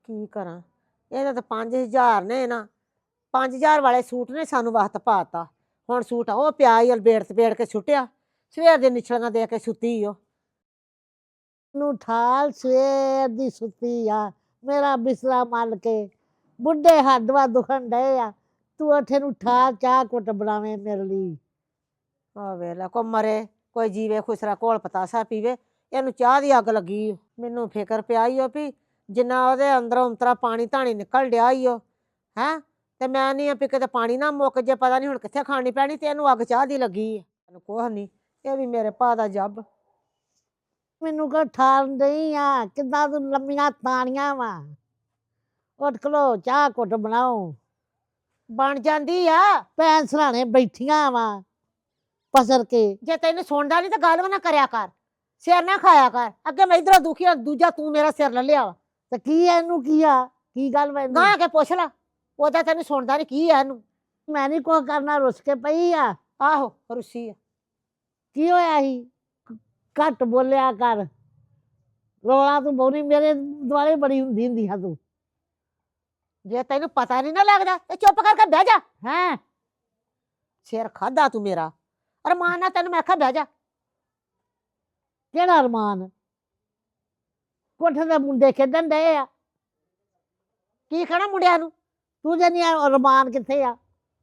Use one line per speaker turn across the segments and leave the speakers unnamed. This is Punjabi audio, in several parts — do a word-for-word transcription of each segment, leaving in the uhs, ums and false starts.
ਕੀ ਕਰਾਂ ਇਹਦਾ ਤਾਂ ਪੰਜ ਹਜ਼ਾਰ ਨੇ ਨਾ ਪੰਜ ਹਜ਼ਾਰ ਵਾਲੇ ਸੂਟ ਨੇ ਸਾਨੂੰ ਵਕਤ ਪਾਤਾ ਹੁਣ ਸੂਟ ਉਹ ਪਿਆ ਹੀ ਅਲਬੇੜ ਤਬੇੜ ਕੇ ਸੁੱਟਿਆ ਸਵੇਰ ਦੇ ਨਿਛੜਾਂ ਦੇ ਕੇ ਸੁੱਤੀ ਓ
ਨੂੰ ਠਾਲ ਸਵੇਰ ਦੀ ਸੁੱਤੀ ਆ ਮੇਰਾ ਬਿਸਲਾ ਮਲ ਕੇ ਬੁੱਢੇ ਹੱਡਵਾ ਦੁਖਣ ਡਏ ਆ ਤੂੰ ਉੱਥੇ ਨੂੰ ਠਾਲ ਚਾਹ ਕੁੱਟ ਬਣਾਵੇਂ ਮੇਰੇ ਲਈ
ਆ ਵੇਲਾ ਕੋ ਮਰੇ ਕੋਈ ਜੀਵੇ ਖੁਸਰਾ ਕੋਲ ਪਤਾਸਾ ਪੀਵੇ ਇਹਨੂੰ ਚਾਹ ਦੀ ਅੱਗ ਲੱਗੀ ਓ। ਮੈਨੂੰ ਫਿਕਰ ਪਿਆ ਈ ਓ ਵੀ ਜਿੰਨਾ ਉਹਦੇ ਅੰਦਰੋਂ ਅੰਤਰਾ ਪਾਣੀ ਧਾਣੀ ਨਿਕਲ ਡਿਆ ਈ ਓ ਹੈਂ ਤੇ ਮੈਂ ਨਹੀਂ ਆ ਵੀ ਕਿਤੇ ਪਾਣੀ ਨਾ ਮੁੱਕ ਜੇ ਪਤਾ ਨਹੀਂ ਹੁਣ ਕਿੱਥੇ ਖਾਣੀ ਪੈਣੀ ਤੇ ਇਹਨੂੰ ਅੱਗ ਚਾਹ ਦੀ ਲੱਗੀ ਆ ਕੁਛ ਨਹੀਂ ਇਹ ਵੀ ਮੇਰੇ ਭਾ ਦਾ ਜੱਬ
ਮੈਨੂੰ ਕੋ ਠਾਲ ਨਹੀਂ ਆ ਕਿੱਦਾਂ ਤੂੰ ਲੰਮੀਆਂ ਤਾਣੀਆਂ ਵਾ ਉੱਠ ਖਲੋ ਚਾਹ ਕੁੱਟ ਬਣਾਓ
ਬਣ ਜਾਂਦੀ ਆ
ਭੈਣ ਸਰਾਣੇ ਬੈਠੀਆਂ ਵਾ ਪਸਰ ਕੇ
ਜੇ ਤੈਨੂੰ ਸੁਣਦਾ ਨਹੀਂ ਤਾਂ ਗੱਲ ਵੀ ਨਾ ਕਰਿਆ ਕਰ ਸਿਰ ਨਾ ਖਾਇਆ ਕਰ ਅੱਗੇ ਮੈਂ ਇਧਰੋਂ ਦੁਖੀ ਆ ਦੂਜਾ ਤੂੰ ਮੇਰਾ ਸਿਰ ਲੈ ਲਿਆ
ਤੇ ਕੀ ਆ ਇਹਨੂੰ ਕੀ ਆ ਕੀ ਗੱਲ ਵਾ ਇਹਨੂੰ?
ਗਾਂ ਕੇ ਪੁੱਛ ਲਾ ਉਹਦਾ ਤੈਨੂੰ ਸੁਣਦਾ ਨਹੀਂ ਕੀ ਆ ਇਹਨੂੰ
ਮੈਂ ਨਹੀਂ ਕੁਛ ਕਰਨਾ ਰੁੱਸ ਕੇ ਪਈ ਆ
ਆਹੋ ਰੁੱਸੀ ਆ
ਕੀ ਹੋਇਆ ਸੀ ਘੱਟ ਬੋਲਿਆ ਕਰ ਰੋਲਾ ਤੂੰ ਬਹੁਣੀ ਮੇਰੇ ਦੁਆਲੇ ਬੜੀ ਹੁੰਦੀ ਹੁੰਦੀ ਆ ਤੂੰ
ਜੇ ਤੈਨੂੰ ਪਤਾ ਨਹੀਂ ਨਾ ਲੱਗਦਾ ਤੇ ਚੁੱਪ ਕਰਕੇ ਬਹਿ ਜਾ
ਹੈਂ
ਸਿਰ ਖਾਦਾ ਤੂੰ ਮੇਰਾ ਅਰਮਾਨ ਨਾਲ ਤੈਨੂੰ ਮੈਂ ਆਖਿਆ ਬਹਿ ਜਾ
ਕਿਹੜਾ ਅਰਮਾਨ ਕੋਠੇ ਦੇ ਮੁੰਡੇ ਖੇਡਣ ਡਏ ਆ
ਕੀ ਕਹਿਣਾ ਮੁੰਡਿਆਂ ਨੂੰ
ਤੂੰ ਜਨੀ ਅਰਮਾਨ ਕਿੱਥੇ ਆ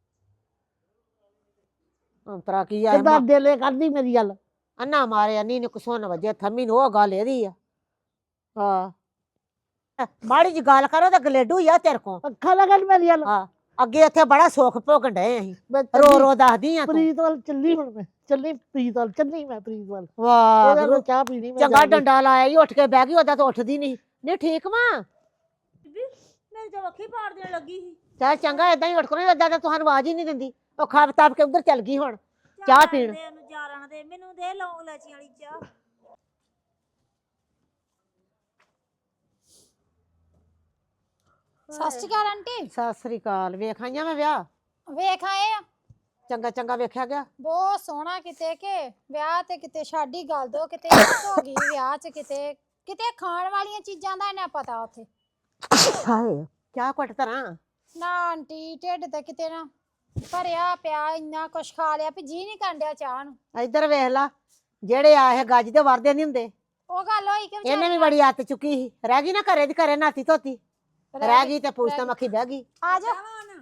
ਅੰਤਰਾ ਕੀ ਆ
ਕਿੱਦਾਂ ਦਿਲੇ ਕਰਦੀ ਮੇਰੀ ਗੱਲ
ਅੰਨਾ ਮਾਰੇ ਅੰਨੀ ਨੇ ਕੁਸੋਨ ਵਜੇ ਥੰਮੀ ਨੂੰ ਉਹ ਗੱਲ ਇਹਦੀ ਆ ਹਾਂ ਮਾੜੀ ਜੀ ਗੱਲ ਕਰੋ ਤਾਂ ਗਲੇਡੂ ਹੀ ਆ ਤੇਰੇ ਕੋ
ਅੱਖਾਂ ਲਗਣ ਮੇਰੀ ਗੱਲ
ਹਾਂ ਅੱਗੇ ਇੱਥੇ ਬੜਾ ਸੁੱਖ ਭੋਗਣ ਡਏ ਅਸੀਂ
ਮੈਂ
ਰੋ
ਚੱਲੀ-
ਰੋ ਦੱਸਦੀ ਆ ਤੂੰ
ਪ੍ਰੀਤ ਵੱਲ ਚੱਲੀ ਹੁਣ ਮੈਂ ਚੱਲੀ ਪ੍ਰੀਤ ਵੱਲ ਚੱਲੀ ਮੈਂ ਪ੍ਰੀਤ ਵੱਲ
ਵਾਹ
ਉਹਦੇ ਨਾਲ ਚਾਹ ਪੀਣੀ ਮੈਂ
ਚੰਗਾ
ਜਾ ਕੇ।
ਡੰਡਾ ਲਾਇਆ ਈ ਉੱਠ ਕੇ ਬਹਿ ਗਈ ਉਹਦਾ ਤਾਂ ਉੱਠਦੀ ਨਹੀਂ ਨਹੀਂ ਠੀਕ ਵਾ
ਮੇਰੀ ਤਾਂ ਅੱਖੀ ਪਾੜ ਦੇਣ ਲੱਗੀ ਸੀ
ਚੱਲ ਚੰਗਾ ਏਦਾਂ ਹੀ ਉੱਠ ਕੇ ਏਦਾਂ ਤਾਂ ਤੁਹਾਨੂੰ ਆਵਾਜ਼ ਹੀ ਨਹੀਂ ਦਿੰਦੀ ਉਹ ਖਾਬ ਤਾਬ ਕੇ ਉਧਰ ਚੱਲ ਗਈ ਹੁਣ ਚਾਹ ਪੀਣ
ਦੇ ਉਹਨੂੰ ਜਾਰਨ ਦੇ ਮੈਨੂੰ ਦੇ ਲੌਂਗ ਲੈਚੀਆਂ ਵਾਲੀ ਚਾਹ
ਸਤਿ ਸ਼੍ਰੀ ਅਕਾਲ ਆਂਟੀ
ਸਤਿ ਸ੍ਰੀ ਅਕਾਲ ਵੇਖ ਆਈਆਂ ਮੈਂ ਵਿਆਹ
ਵੇਖ ਆਏ ਆ
ਚੰਗਾ ਚੰਗਾ ਵੇਖਿਆ ਗਿਆ
ਬਹੁਤ ਸੋਹਣਾ ਕਿਤੇ ਕਿ ਵਿਆਹ ਤੇ ਕਿਤੇ ਸਾਡੀ ਗੱਲ ਦੋ ਕਿਤੇ ਹੋ ਗਈ ਵਿਆਹ ਚ ਕਿਤੇ ਕਿਤੇ ਖਾਣ ਵਾਲੀਆਂ ਚੀਜ਼ਾਂ ਦਾ ਇਹਨਾਂ ਪਤਾ ਉੱਥੇ
ਹਾਏ ਚਾਹ ਘਟ ਤਰਾਂ
ਨਾ ਆਂਟੀ ਢਿੱਡ ਤੇ ਕਿਤੇ ਨਾ ਭਰਿਆ ਪਿਆ ਇੰਨਾ ਕੁਛ ਖਾ ਲਿਆ ਵੀ ਜੀ ਨਹੀਂ ਕੰਡਿਆ ਚਾਹ ਨੂੰ
ਇੱਧਰ ਵੇਖ ਲਾ ਜਿਹੜੇ ਆ ਇਹ ਗੱਜ ਦੇ ਵਰਦੇ ਨਹੀਂ ਹੁੰਦੇ
ਉਹ ਗੱਲ ਹੋਈ ਕਿ
ਇਹਨੇ ਵੀ ਬੜੀ ਆਦਤ ਚੁੱਕੀ ਸੀ ਰਹਿ ਗਈ ਨਾ ਘਰੇ ਦੀ ਘਰੇ ਨਾਤੀ ਧੋਤੀ ਰਹਿ ਗਈ ਤੇ ਪੁੱਛਤਾ ਮੱਖੀ ਬਹਿ ਗਈ
ਆ ਜਾ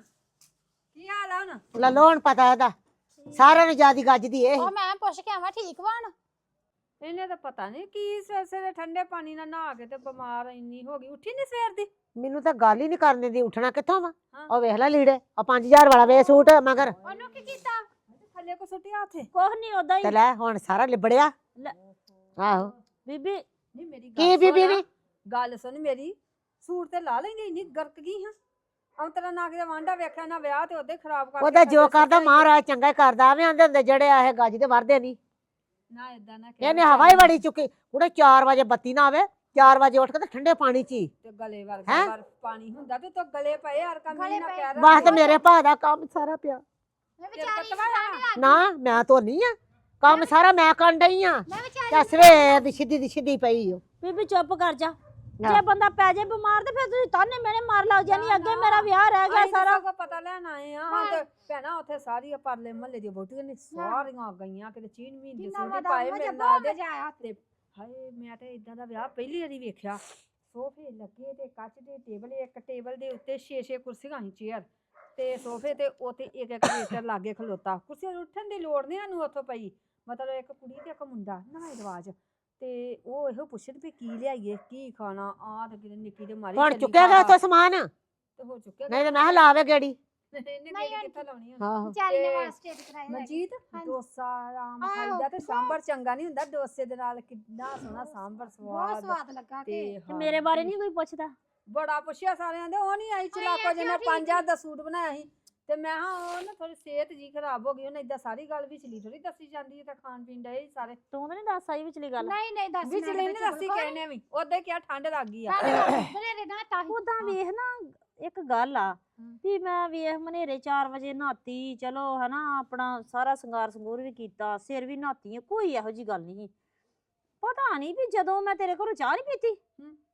ਕੀ ਹਾਲ ਆ ਹੁਣ
ਲੈ ਲੋ ਹੁਣ ਪਤਾ ਇਹਦਾ ਸਾਰਿਆਂ ਨੂੰ ਜਿਆਦੀ ਗੱਜਦੀ ਇਹ
ਉਹ ਮੈਂ ਪੁੱਛ ਕੇ ਆਵਾਂ ਠੀਕ ਵਾਣ
ਇਹਨੇ ਤਾਂ ਪਤਾ ਨਹੀਂ ਕੀ ਸਵੇਰ ਦੇ ਠੰਡੇ ਪਾਣੀ ਨਾਲ ਨਹਾ ਕੇ ਤੇ ਬਿਮਾਰ ਇੰਨੀ ਹੋ ਗਈ ਉੱਠੀ ਨਹੀਂ ਸਵੇਰ ਦੀ
ਮੈਨੂੰ ਤਾਂ ਗੱਲ ਹੀ ਨਹੀਂ ਕਰਨ ਦਿੰਦੀ ਉੱਠਣਾ ਕਿੱਥੋਂ ਵਾ
ਹਾਂ।
ਉਹ ਵੇਖ ਲੈ ਲੀੜੇ ਆ ਪੰਜ ਹਜ਼ਾਰ ਵਾਲਾ ਵੇ ਸੂਟ ਮਗਰ
ਉਹਨੂੰ ਕੀ ਕੀਤਾ
ਥੱਲੇ ਕੋ ਸੁੱਟਿਆ ਉੱਥੇ
ਕੁਛ ਨਹੀਂ ਉਦਾਂ ਹੀ
ਤੇ ਲੈ ਹੁਣ ਸਾਰਾ ਲਿਬੜਿਆ
ਲੈ।
ਆਹੋ
ਬੀਬੀ
ਨਹੀਂ ਮੇਰੀ ਗੱਲ
ਕੀ ਬੀਬੀ
ਸੁਣ।
ਨੀ
ਗੱਲ ਸੁਣ ਮੇਰੀ ਸੂਟ ਤੇ ਲਾ ਲੈਂਦੀ ਇੰਨੀ ਗਰਕ ਗਈ ਹਾਂ ਅੰਤਰਾ ਨਾ ਕਿਤੇ ਵਾਂਡਾ ਵੇਖਿਆ ਨਾ ਵਿਆਹ ਤੇ ਉਹਦੇ ਖਰਾਬ ਕਰਕੇ
ਉਹਦਾ ਜੋ
ਥੱਲੇ
ਕਰਦਾ
ਸੁੱਟਿਆ
ਮਹਾਰਾਜ ਚੰਗਾ ਹੀ ਕਰਦਾ ਆਵੇਂ ਆਂਦੇ ਹੁੰਦੇ ਜਿਹੜੇ ਆ ਇਹ ਗੱਜ ਦੇ ਵਰਦੇ ਨਹੀਂ
ਨਾ ਇਦਾਂ ਨਾ ਕਹਿ
ਇਹਨੇ ਹਵਾ ਹੀ ਬੜੀ ਚੁੱਕੀ ਉਹਦੇ ਚਾਰ ਵਜੇ ਬੱਤੀ ਨਾ ਆਵੇ ਚਾਰ ਵਜੇ ਉੱਠ ਕੇ ਤੇ ਠੰਡੇ ਪਾਣੀ ਚ ਹੀ
ਤੇ ਗਲੇ ਵਰਗਾ
ਹੈਂ?
ਬਰਫ ਪਾਣੀ ਹੁੰਦਾ ਤੇ ਤੋ ਗਲੇ ਪਏ ਯਾਰ ਕੰਮ
ਗਲੇ
ਨਾ
ਪਏ।
ਕਹਿ
ਬਸ ਤੇ ਮੇਰੇ ਭਾ ਦਾ ਕੰਮ ਸਾਰਾ ਪਿਆ
ਮੈਂ
ਤੇਰੇ
ਵਿਚਾਰੀ
ਪਤਵਾ ਆ?
ਠੰਡ ਲੱਗ ਗਈ।
ਨਾ ਮੈਂ ਧੋਨੀ ਆ ਕੰਮ ਸਾਰਾ ਮੈਂ ਕਰਨ ਡਈ ਆ
ਮੈਂ ਵਿਚਾਰੀ
ਤੇ ਸਵੇਰ ਦੀ ਸਿੱਧੀ ਦੀ ਸਿੱਧੀ ਪਈ ਓ
ਬੀਬੀ ਚੁੱਪ ਕਰ ਜਾ
ਹਾਂ।
ਜੇ ਬੰਦਾ ਪੈ ਜਾਏ ਬਿਮਾਰ ਤੇ ਫਿਰ ਤੁਸੀਂ ਤਾਨੇ ਮੇਰੇ ਮਾਰ ਲੱਗ ਜਾਣੀ ਅੱਗੇ ਮੇਰਾ ਵਿਆਹ ਰਹਿ ਗਿਆ
ਅਸੀਂ
ਸਾਰਾ
ਸਗੋਂ ਪਤਾ ਲੈਣ ਆਏ ਆ ਹੁਣ ਤੇ ਭੈਣਾ ਉੱਥੇ ਸਾਰੀ ਪਰਲੇ ਮਹੱਲੇ ਦੀਆਂ ਵੋਟੀਆਂ ਨੇ ਸਾਰੀਆਂ ਗਈਆਂ ਕਿਤੇ ਚੀਨ ਮਹੀਨ ਦੇ
ਕਿੰਨਾ
ਸੂਟ
ਵਾਦਾ
ਪਾਏ
ਮਜ਼ਾ
ਮੇਰੇ ਨਾਲ ਦੇ
ਮਜ਼ਾ ਆਇਆ
ਤੇ ਹਾਏ ਮੈਂ ਤੇ ਇਦਾਂ ਦਾ ਵਿਆਹ ਪਹਿਲੀ ਵਾਰੀ ਵੇਖਿਆ ਸੋਫੇ ਲੱਗੇ ਤੇ ਕੱਚ ਦੇ ਟੇਬਲ ਇੱਕ ਟੇਬਲ ਦੇ ਉੱਤੇ ਛੇ ਛੇ ਕੁਰਸੀਆਂ ਸੀ ਚੇਅਰ ਤੇ ਸੋਫੇ ਤੇ ਉੱਤੇ ਇੱਕ ਇੱਕ ਵੇਟਰ ਲਾਗੇ ਖਲੋਤਾ ਕੁਰਸੀਆਂ ਨੂੰ ਉੱਠਣ ਦੀ ਲੋੜ ਨਹੀਂ ਸਾਨੂੰ ਉੱਥੋਂ ਪਈ ਮਤਲਬ ਇੱਕ ਕੁੜੀ ਤੇ ਇੱਕ ਮੁੰਡਾ ਨਵਾਂ ਰਿਵਾਜ ਤੇ ਉਹ ਇਹੋ ਪੁੱਛਣ ਵੀ ਕੀ ਲਿਆਈਏ ਕੀ ਖਾਣਾ ਆ ਤੇ ਕਿਤੇ ਨਿੱਕੀ ਦੇ ਮਾਰੀ
ਹੁਣ
ਚੱਲੀ
ਚੁੱਕਿਆ ਗਿਆ
ਖਾ
ਉੱਥੋਂ ਸਮਾਨ
ਤੇ ਹੋ ਚੁੱਕਿਆ
ਨਹੀਂ ਤੇ ਮੈਂ ਕਿਹਾ ਲਾਵੇ ਗੇੜੀ
ਇਹਨੇ
ਨਹੀਂ
ਕਿਹੜੀ
ਆਂਟੀ।
ਕਿੱਥੇ ਲਾਉਣੀ ਹੁਣ
ਆਹੋ
ਵਿਚਾਰੀ ਨੇ
ਤੇ
ਵਾਸਤੇ ਕਰਾਇਆ
ਮਨਜੀਤ
ਹਾਂਜੀ।
ਡੋਸਾ ਆਮ
ਆਹੋ,
ਖਾਈਦਾ ਤੇ ਸਾਂਬਰ ਚੰਗਾ ਨਹੀਂ ਹੁੰਦਾ ਡੋਸੇ ਦੇ ਨਾਲ ਕਿੰਨਾ ਸੋਹਣਾ ਸਾਂਬਰ
ਬਹੁਤ
ਸਵਾਦ
ਸਵਾਦ ਲੱਗਾ
ਤੇ
ਕਿ
ਤੇ
ਹਾਂ,
ਮੇਰੇ ਬਾਰੇ ਨਹੀਂ ਕੋਈ ਪੁੱਛਦਾ
ਬੜਾ ਪੁੱਛਿਆ ਸਾਰਿਆਂ ਦੇ ਉਹ ਨਹੀਂ ਆਈ ਚਲਾਕੋ
ਆਂਟੀ,
ਜਿਹਨੇ
ਉਹ ਠੀਕ
ਪੰਜ ਹਜ਼ਾਰ ਦਾ ਸੂਟ ਬਣਾਇਆ ਸੀ ਤੇ ਮੈਂ ਹਾਂ ਉਹ ਨਾ ਥੋੜੀ ਸਿਹਤ ਜੀ ਖਰਾਬ ਹੋ ਗਈ ਉਹਨੇ ਇਦਾਂ ਸਾਰੀ ਗੱਲ ਵਿਚਲੀ ਥੋੜੀ ਦੱਸੀ ਜਾਂਦੀ ਹੈ ਤਾਂ ਖਾਣ ਪੀਣ ਦੇ ਸਾਰੇ
ਤੂੰ ਤਾਂ ਨਹੀਂ ਦੱਸ ਆਈ ਵਿਚਲੀ ਗੱਲ
ਨਹੀਂ ਨਹੀਂ ਦੱਸ
ਵਿਚਲੀ ਨਹੀਂ ਦੱਸੀ ਕਹਿੰਨੇ ਵੀ ਉਹਦੇ ਕਿਹਾ ਠੰਡ ਲੱਗ ਗਈ ਆ
ਮੇਰੇ ਨਾ ਤਾਂ ਹੀ
ਉਦਾਂ ਵੇਖ ਨਾ ਇੱਕ ਗੱਲ ਆ
ਹਮ।
ਵੀ ਮੈਂ ਵੇਖ ਮਨੇਰੇ ਚਾਰ ਵਜੇ ਨਹਾਤੀ ਚਲੋ ਹਨਾ ਆਪਣਾ ਸਾਰਾ ਸ਼ਿੰਗਾਰ ਸੰਗੂਰ ਵੀ ਕੀਤਾ ਸਿਰ ਵੀ ਨਹਾਤੀ ਆ, ਕੋਈ ਇਹੋ ਜੀ ਗੱਲ ਨਹੀਂ ਪਤਾ ਨਹੀਂ ਵੀ ਜਦੋਂ ਮੈਂ ਤੇਰੇ ਘਰੋਂ ਚਾਹ ਨਹੀਂ ਪੀਤੀ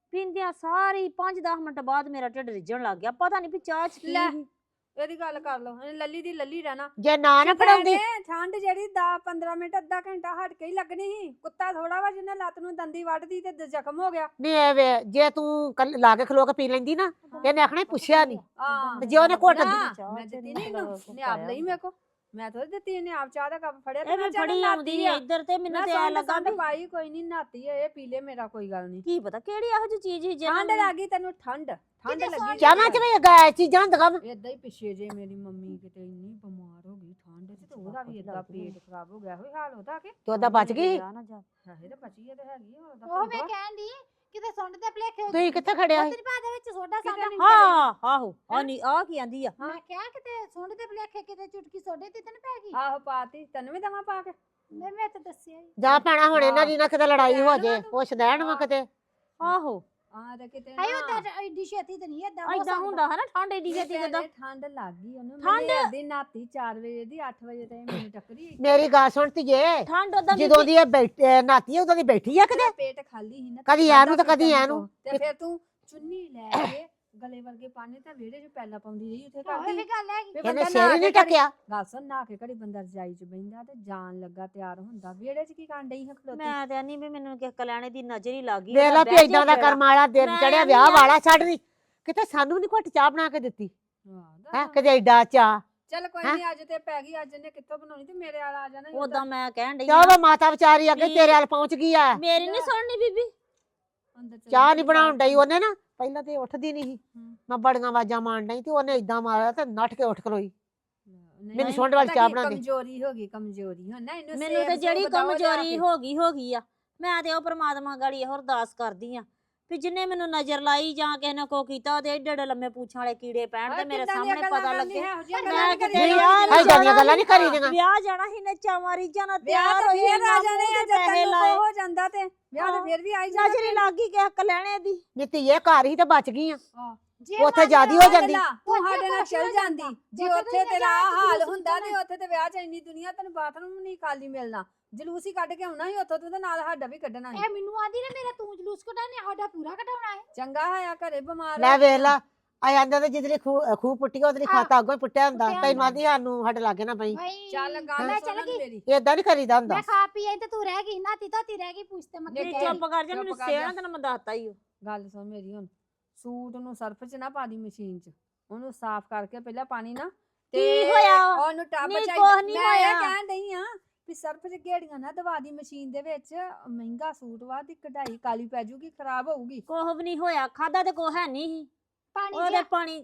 ਪੀਂਦਿਆਂ ਸਾਰੀ ਪੰਜ ਦਸ ਮਿੰਟ ਬਾਅਦ ਮੇਰਾ ਢਿੱਡ ਰਿੱਝਣ ਲੱਗ ਗਿਆ ਪਤਾ ਨਹੀਂ ਵੀ ਚਾਹ ਚ ਕੀ
ਲੈ।
ਸੀ।
ਇਹਦੀ ਗੱਲ ਕਰ ਲਓ ਇਹਨੇ ਲੱਲੀ ਦੀ ਲੱਲੀ ਰਹਿਣਾ
ਜੇ ਨਾ ਨਾ ਫੜਾਉਂਦੀ
ਭੈਣੇ, ਠੰਡ ਜਿਹੜੀ ਦਸ ਪੰਦਰਾਂ ਮਿੰਟ ਅੱਧਾ ਘੰਟਾ ਹਟ ਕੇ ਹੀ ਲੱਗਣੀ ਸੀ ਕੁੱਤਾ ਥੋੜਾ ਵਾ ਜਿਹਨੇ ਲੱਤ ਨੂੰ ਦੰਦੀ ਵੱਢਦੀ ਤੇ ਦ- ਜ਼ਖਮ ਹੋ ਗਿਆ
ਨਹੀਂ ਐ ਵੇ ਜੇ ਤੂੰ ਕੱਲ ਲਾ ਕੇ ਖਲੋ ਕੇ ਪੀ ਲੈਂਦੀ ਨਾ ਇਹਨੇ ਆਖਣਾ ਪੁੱਛਿਆ ਨਹੀਂ
ਹਾਂ
ਤੇ ਜੇ ਉਹਨੇ ਘੁੱਟ
ਨਾ,
ਚਾਹ
ਮੈਂ
ਚ
ਦਿੱਤੀ
ਨੀ
ਨਹੀਂ ਇਹਨੂੰ
ਮਤਲਬ
ਨੇ ਆਪ ਲਈ ਮੇਰੇ ਕੋ ਮੈਂ ਥੋੜੀ ਦਿੱਤੀ ਇਹਨੇ ਆਪ ਚਾਹ ਦਾ ਕੱਪ ਫੜਿਆ ਤੇ
ਇਹ
ਮੈਂ
ਵੀ
ਚੱਲ
ਫੜੀ ਆਉਂਦੀ
ਨਾਤੀ
ਹੈ
ਆ
ਇੱਧਰ ਤੇ ਮੈਨੂੰ
ਮੈਂ
ਤੇ ਐ
ਸੰਡ
ਲੱਗਾ
ਸੰਡ
ਵੀ
ਪਾਈ ਕੋਈ ਨਹੀਂ ਨਾਤੀ ਹੈ ਇਹ ਪੀ ਲੈ ਮੇਰਾ ਕੋਈ ਗੱਲ ਨਹੀਂ
ਕੀ ਪਤਾ ਕਿਹੜੀ ਇਹੋ ਜਿਹੀ ਚੀਜ਼ ਸੀ ਜਿਹਨਾਂ
ਠੰਡ
ਨੂੰ-
ਲੱਗੀ ਤੈਨੂੰ ਠੰਡ ਠੰਡ
ਕਿਤੇ
ਲੱਗੀ
ਚਾਹਾਂ ਚ ਵੀ ਗਾਇ ਚੀਜ਼ਾਂ ਹੁੰਦੀਆਂ ਵਾ।
ਏਦਾਂ ਹੀ ਪਿੱਛੇ ਜੇ ਮੇਰੀ ਮੰਮੀ ਕਿਤੇ ਇੰਨੀ ਬਿਮਾਰ ਹੋ ਗਈ ਠੰਡ ਚ ਤੇ ਉਹਦਾ ਵੀ ਏਦਾਂ ਪੇਟ ਖਰਾਬ ਹੋ ਗਿਆ ਹੋਈ ਹਾਲ ਉਹਦਾ ਕਿ
ਤੇ ਉਹਦਾ ਬਚ ਗਈ
ਜਾ ਨਾ ਜਾ।
ਹੈ ਤੇ ਬਚੀ ਹੈ ਤੇ ਹੈਗੀ ਆ, ਉਹਦਾ
ਉਹ
ਭੂਆ।
ਮੈਂ ਕਹਿਣ ਦੀ ਕਿਤੇ ਸੁੰਡ ਦੇ ਭਲੇਖੇ
ਤੁਸੀਂ ਕਿੱਥੇ ਖੜਿਆ ਸੀ
ਤੇਰੀ ਬਾਦੇ ਵਿੱਚ ਸੋਡਾ
ਕਿਤੇ
ਸਾਡਾ
ਨੀ
ਹਾਂ ਆਹੋ ਆ ਨਹੀਂ ਆ ਕੀ ਆਂਦੀ ਆ
ਮੈਂ ਕਿਹਾ ਕਿਤੇ ਸੁੰਡ ਦੇ ਭਲੇਖੇ ਕਿਤੇ ਚੁਟਕੀ ਸੋਡੇ ਤੇ ਤੈਨੂੰ ਪੈ ਗਈ
ਆਹੋ ਪਾਤੀ ਤੈਨੂੰ ਵੀ ਦਵਾਂ ਪਾ ਕੇ
ਮੈਂ ਮੈਂ ਤਾਂ ਦੱਸਿਆ ਹੀ
ਜਾ ਪੈਣਾ ਹੁਣ ਇਹਨਾਂ
ਹਾਂ।
ਦੀ ਨਾ ਕਿਤੇ ਲੜਾਈ ਹੋ
ਰਹਿਣ
ਜੇ
ਵਾ ਤੂੰ।
ਪੁੱਛ ਦੇਣ ਵਾ ਕਿਤੇ
ਆਹੋ
ਹਾਂ ਤੇ ਕਿਤੇ
ਆਇਓ
ਨਾ
ਤਾਂ ਐਡੀ ਛੇਤੀ ਤੇ ਨਹੀਂ ਏਦਾਂ ਹੋ
ਐਦਾਂ
ਸਕਦਾ
ਹੁੰਦਾ ਹੈ ਨਾ ਠੰਡ ਏਡੀ
ਨਹੀਂ
ਛੇਤੀ ਜਦੋਂ
ਭੈਣੇ, ਠੰਡ ਲੱਗ ਗਈ ਉਹਨੂੰ
ਠੰਡ?
ਠੰਡ ਦੀ ਨਾਤੀ ਚਾਰ ਵਜੇ ਦੀ ਅੱਠ ਵਜੇ ਤਾਈਂ ਮੈਨੂੰ ਟੱਕਰੀ
ਮੇਰੀ ਗੱਲ ਸੁਣ ਧੀਏ
ਠੰਡ ਉਹਦਾ
ਜਦੋਂ ਦੀ ਇਹ ਬੈਠ ਨਾਤੀ ਉਦੋਂ ਦੀ ਬੈਠੀ ਆ ਕਿਤੇ
ਤੇਰਾ ਪੇਟ ਖਾਲੀ ਸੀ ਨਾ
ਕਦੀ
ਖਾਧਾ
ਇਹਨੂੰ ਤੇ ਕਦੀ
ਪੀਤਾ ਨੀ
ਇਹਨੂੰ।
ਤੂੰ। ਤੇ ਫਿਰ ਤੂੰ ਚੁੰਨੀ ਲੈ ਕੇ ਗਲੇ ਵਰਗੇ ਪਾਣੇ ਤਾਂ ਵਿਹੜੇ 'ਚ ਪੈਲਾ ਪਾਉਂਦੀ ਰਹੀ ਉੱਥੇ
ਉਹ
ਕਰਦੀ
ਵੀ ਗੱਲ ਹੈਗੀ
ਵੀ
ਇਹਨੇ
ਬੰਦਾ
ਸਿਰ
ਨਹਾ
ਹੀ ਨਹੀਂ
ਕੇ ਘੜੀ-
ਟਕਿਆ
ਗੱਲ ਸੁਣ ਨਹਾ ਕੇ ਘੜੀ ਬੰਦਾ ਰਜਾਈ 'ਚ ਬਹਿੰਦਾ ਤੇ ਜਾਣ ਲੱਗਾ ਤਿਆਰ ਹੁੰਦਾ ਵਿਹੜੇ 'ਚ ਕੀ ਕਰਨ ਡਈ ਹੈ ਖਲੋਤੀ
ਮੈਂ ਤੇ ਨਹੀਂ ਵੀ ਮੈਨੂੰ ਕਿਸੇ ਕਲਿਆਣੇ ਦੀ ਨਜ਼ਰ ਹੀ ਲੱਗ ਗਈ
ਵੇਖ ਲਾ ਵੀ ਇਦਾਂ ਦਾ ਕਰਮ ਵਾਲਾ ਦਿਨ
ਮੈਂ
ਚੜਿਆ
ਨੀ
ਵਿਆਹ
ਆ।
ਵਾਲਾ ਛੱਡ ਨਹੀਂ ਕਿਤੇ ਸਾਨੂੰ ਨਹੀਂ ਘੁੱਟ ਚਾਹ ਬਣਾ ਕੇ ਦਿੱਤੀ
ਹਾਂ,
ਹੈ ਕਿਤੇ ਐਡਾ ਚਾਹ
ਚੱਲ ਕੋਈ
ਹੈਂ?
ਨਹੀਂ ਅੱਜ ਤੇ ਪੈ ਗਈ ਅੱਜ ਨੇ ਕਿੱਥੋਂ ਬਣਾਉਣੀ ਤੇ ਮੇਰੇ ਵਾਲਾ ਆ ਜਾਣਾ ਸੀ
ਉਦਾਂ ਮੈਂ ਕਹਿਣ ਡਈ
ਚਾਹ
ਆ,
ਉਹ ਮਾਤਾ ਵਿਚਾਰੀ ਅੱਗੇ
ਵੀ-
ਤੇਰੇ ਵੱਲ ਪਹੁੰਚ ਗਈ ਆ
ਮੇਰੀ ਨਹੀਂ ਸੁਣਨੀ ਬੀਬੀ
ਅੰਦਰ ਚਲੀ
ਚਾਹ
ਗਈ
ਨਹੀਂ
ਬਾਹਰ।
ਬਣਾਉਣ ਡਈ ਉਹਨੇ ਨਾ ਪਹਿਲਾਂ ਤੇ ਉੱਠਦੀ ਨਹੀਂ ਸੀ
ਹੂੰ।
ਮੈਂ ਬੜੀਆਂ ਆਵਾਜ਼ਾਂ ਮਾਰਨ ਡਈ ਤੇ ਉਹਨੇ ਇਦਾਂ ਮਾਰਿਆ ਤੇ ਨੱਠ ਕੇ ਉੱਠ ਖਲੋਈ
ਨਹੀਂ,
ਮੈਨੂੰ ਸੁੰਡ ਵਾਲੀ
ਪਤਾ
ਚਾਹ
ਕੀ,
ਬਣਾ ਦੇ।
ਕਮਜ਼ੋਰੀ ਹੋ ਗਈ ਕਮਜ਼ੋਰੀ ਹੁਣ ਨਾ ਇਹਨੂੰ
ਮੈਨੂੰ
ਸੇਬ
ਤੇ
ਸੂਬ
ਜਿਹੜੀ
ਦਓ ਲਿਆ
ਕਮਜ਼ੋਰੀ
ਕੇ।
ਹੋ ਗਈ ਹੋ ਗਈ ਆ ਮੈਂ ਤੇ ਉਹ ਪ੍ਰਮਾਤਮਾ ਗਾੜੀ ਇਹੋ ਅਰਦਾਸ ਕਰਦੀ ਆ ਵੀ ਜਿੰਨੇ ਮੈਨੂੰ ਨਜ਼ਰ ਲਾਈ ਜਾਂ ਕਿਸੇ ਨੇ ਕੋ ਕੀਤਾ ਉਹਦੇ ਏਡੇ ਏਡੇ ਲੰਮੇ ਪੂਛਾਂ ਵਾਲੇ ਕੀੜੇ ਪੈਣ ਤੇ
ਆਹ
ਮੇਰੇ
ਕਿੱਦਾਂ ਦੀਆਂ
ਸਾਹਮਣੇ
ਗੱਲਾਂ
ਪਤਾ
ਕਰਨੀ
ਲੱਗੇ
ਹੈ, ਇਹੋ ਜਿਹੀਆਂ
ਮੈਂ
ਗੱਲਾਂ ਨੀ
ਕਿਤੇ
ਕਰੀਦੀਆਂ।
ਯਾਰ
ਐ ਏਦਾਂ ਦੀਆਂ ਗੱਲਾਂ ਨਹੀਂ
ਹਾਂ।
ਕਰੀਦੀਆਂ
ਵਿਆਹ ਜਾਣਾ ਸੀ ਨੱਚਾ ਮਾਰੀ ਜਾਣਾ
ਵਿਆਹ
ਤਿਆਰ
ਤਾਂ
ਹੋਈ
ਫੇਰ
ਇੰਨਾ
ਆ ਜਾਣੇ ਆ
ਮੂੰਹ
ਜਦ
ਤੇ ਪੈਸੇ
ਤੈਨੂੰ
ਲਾਏ
ਕੋ ਹੋ ਜਾਂਦਾ ਤੇ ਵਿਆਹ ਤਾਂ
ਹਾਂ।
ਫੇਰ ਵੀ ਆਈ
ਨਜ਼ਰ ਹੀ ਲੱਗ ਗਈ ਕਿਸੇ ਕਲਿਆਣੇ ਦੀ
ਨੀਤੀ ਇਹ ਘਰ ਹੀ ਤੇ ਬਚ ਗਈ ਆ
ਜੇ
ਉੱਥੇ
ਮੰਨ
ਜ਼ਿਆਦੀ
ਲਾ
ਹੋ ਜਾਂਦੀ
ਗੱਲਾਂ, ਤੂੰ
ਉੱਥੇ
ਸਾਡੇ ਨਾਲ
ਕੁਛ
ਚੱਲ
ਹੋ
ਜਾਂਦੀ
ਜਾਂਦਾ।
ਜੇ
ਉੱਥੇ
ਉੱਥੇ
ਤਾਂ
ਤੇਰਾ
ਜਾ
ਆਹ
ਕੇ
ਹਾਲ
ਜਲੂਸ
ਹੁੰਦਾ ਤੇ
ਕੱਢਣਾ।
ਉੱਥੇ ਤੇ ਵਿਆਹ ਚ ਇੰਨੀ ਦੁਨੀਆ ਤੈਨੂੰ ਬਾਥਰੂਮ ਨਹੀਂ ਖਾਲੀ ਮਿਲਣਾ ਜਲੂਸ ਹੀ ਕੱਢ ਕੇ ਆਉਣਾ ਸੀ ਉੱਥੋਂ ਤੂੰ ਤੇ ਨਾਲ ਸਾਡਾ ਵੀ ਕੱਢਣਾ ਸੀ
ਇਹ ਮੈਨੂੰ ਆਂਦੀ ਨੇ ਮੇਰਾ ਤੂੰ ਜਲੂਸ ਕਢਾਣੇ ਸਾਡਾ ਪੂਰਾ ਕਢਾਉਣਾ ਹੈ
ਚੰਗਾ ਹੋਇਆ ਘਰੇ ਬਿਮਾਰ
ਲੈ
ਹੋ
ਵੇਖ ਲਾ ਆ ਜਾਂਦਾ ਤੇ ਜਿੱਦਲੀ ਖੂ ਖੂ ਪੁੱਟੀ ਉਹਦੇ
ਆਹ,
ਖਾਤਾ ਅੱਗੋਂ ਹੀ ਪੁੱਟਿਆ ਹੁੰਦਾ
ਪੁੱਟਿਆ
ਤੈਨੂੰ
ਹੁੰਦਾ।
ਆਦੀ ਸਾਨੂੰ ਸਾਡੇ ਲਾਗੇ ਨਾ ਪਈ
ਭਾਈ
ਚੱਲ ਗੱਲ
ਮੈਂ
ਸੁਣ
ਚਲ ਗਈ
ਮੇਰੀ
ਏਦਾਂ ਨਹੀਂ ਕਰੀਦਾ ਹੁੰਦਾ
ਮੈਂ ਖਾ ਪੀ ਆਈ ਤੇ ਤੂੰ ਰਹਿ ਗਈ ਨਾਤੀ ਧੋਤੀ ਰਹਿ ਗਈ ਪੁੱਛਤੇ ਮੈਂ
ਜੇ
ਨਹੀਂ,
ਕਿਹਾ
ਚੁੱਪ ਕਰ ਜਾ
ਚੁੱਪ
ਮੈਨੂੰ
ਕਰ
ਸੇਣਾ
ਜਾ।
ਤੈਨੂੰ ਮੈਂ ਦੱਸਤਾ ਹੀ
ਗੱਲ ਸੁਣ ਮੇਰੀ ਹੁਣ ਸੂਟ ਨੂੰ ਸਰਫ ਚ ਨਾ ਪਾ ਦੀ ਮਸ਼ੀਨ ਚ ਉਹਨੂੰ ਸਾਫ਼ ਕਰਕੇ ਪਹਿਲਾਂ ਪਾਣੀ ਨਾ
ਕੀ ਹੋਇਆ?
ਉਹਨੂੰ ਟੱਬ
ਨਹੀਂ,
ਚਾਹੀਦਾ
ਕੁਛ ਨੀ
ਮੈਂ ਇਹ
ਹੋਇਆ।
ਕਹਿਣ ਡਈ ਆ ਵੀ ਸਰਫ ਚ ਗੇੜੀਆਂ ਨਾ ਦਵਾ ਦੀ ਮਸ਼ੀਨ ਦੇ ਵਿੱਚ ਮਹਿੰਗਾ ਸੂਟ ਵਾ ਦੀ ਕਢਾਈ ਕਾਲੀ ਪੈ ਜੂਗੀ ਖਰਾਬ ਹੋਊਗੀ
ਕੋਹ ਵੀ ਨਹੀਂ ਹੋਇਆ ਖਾਦਾ ਤੇ ਕੋਹ ਹੈ ਨਹੀਂ ਸੀ
ਪਾਣੀ
ਉਹਦੇ
ਜਿਹਾ
ਪਾਣੀ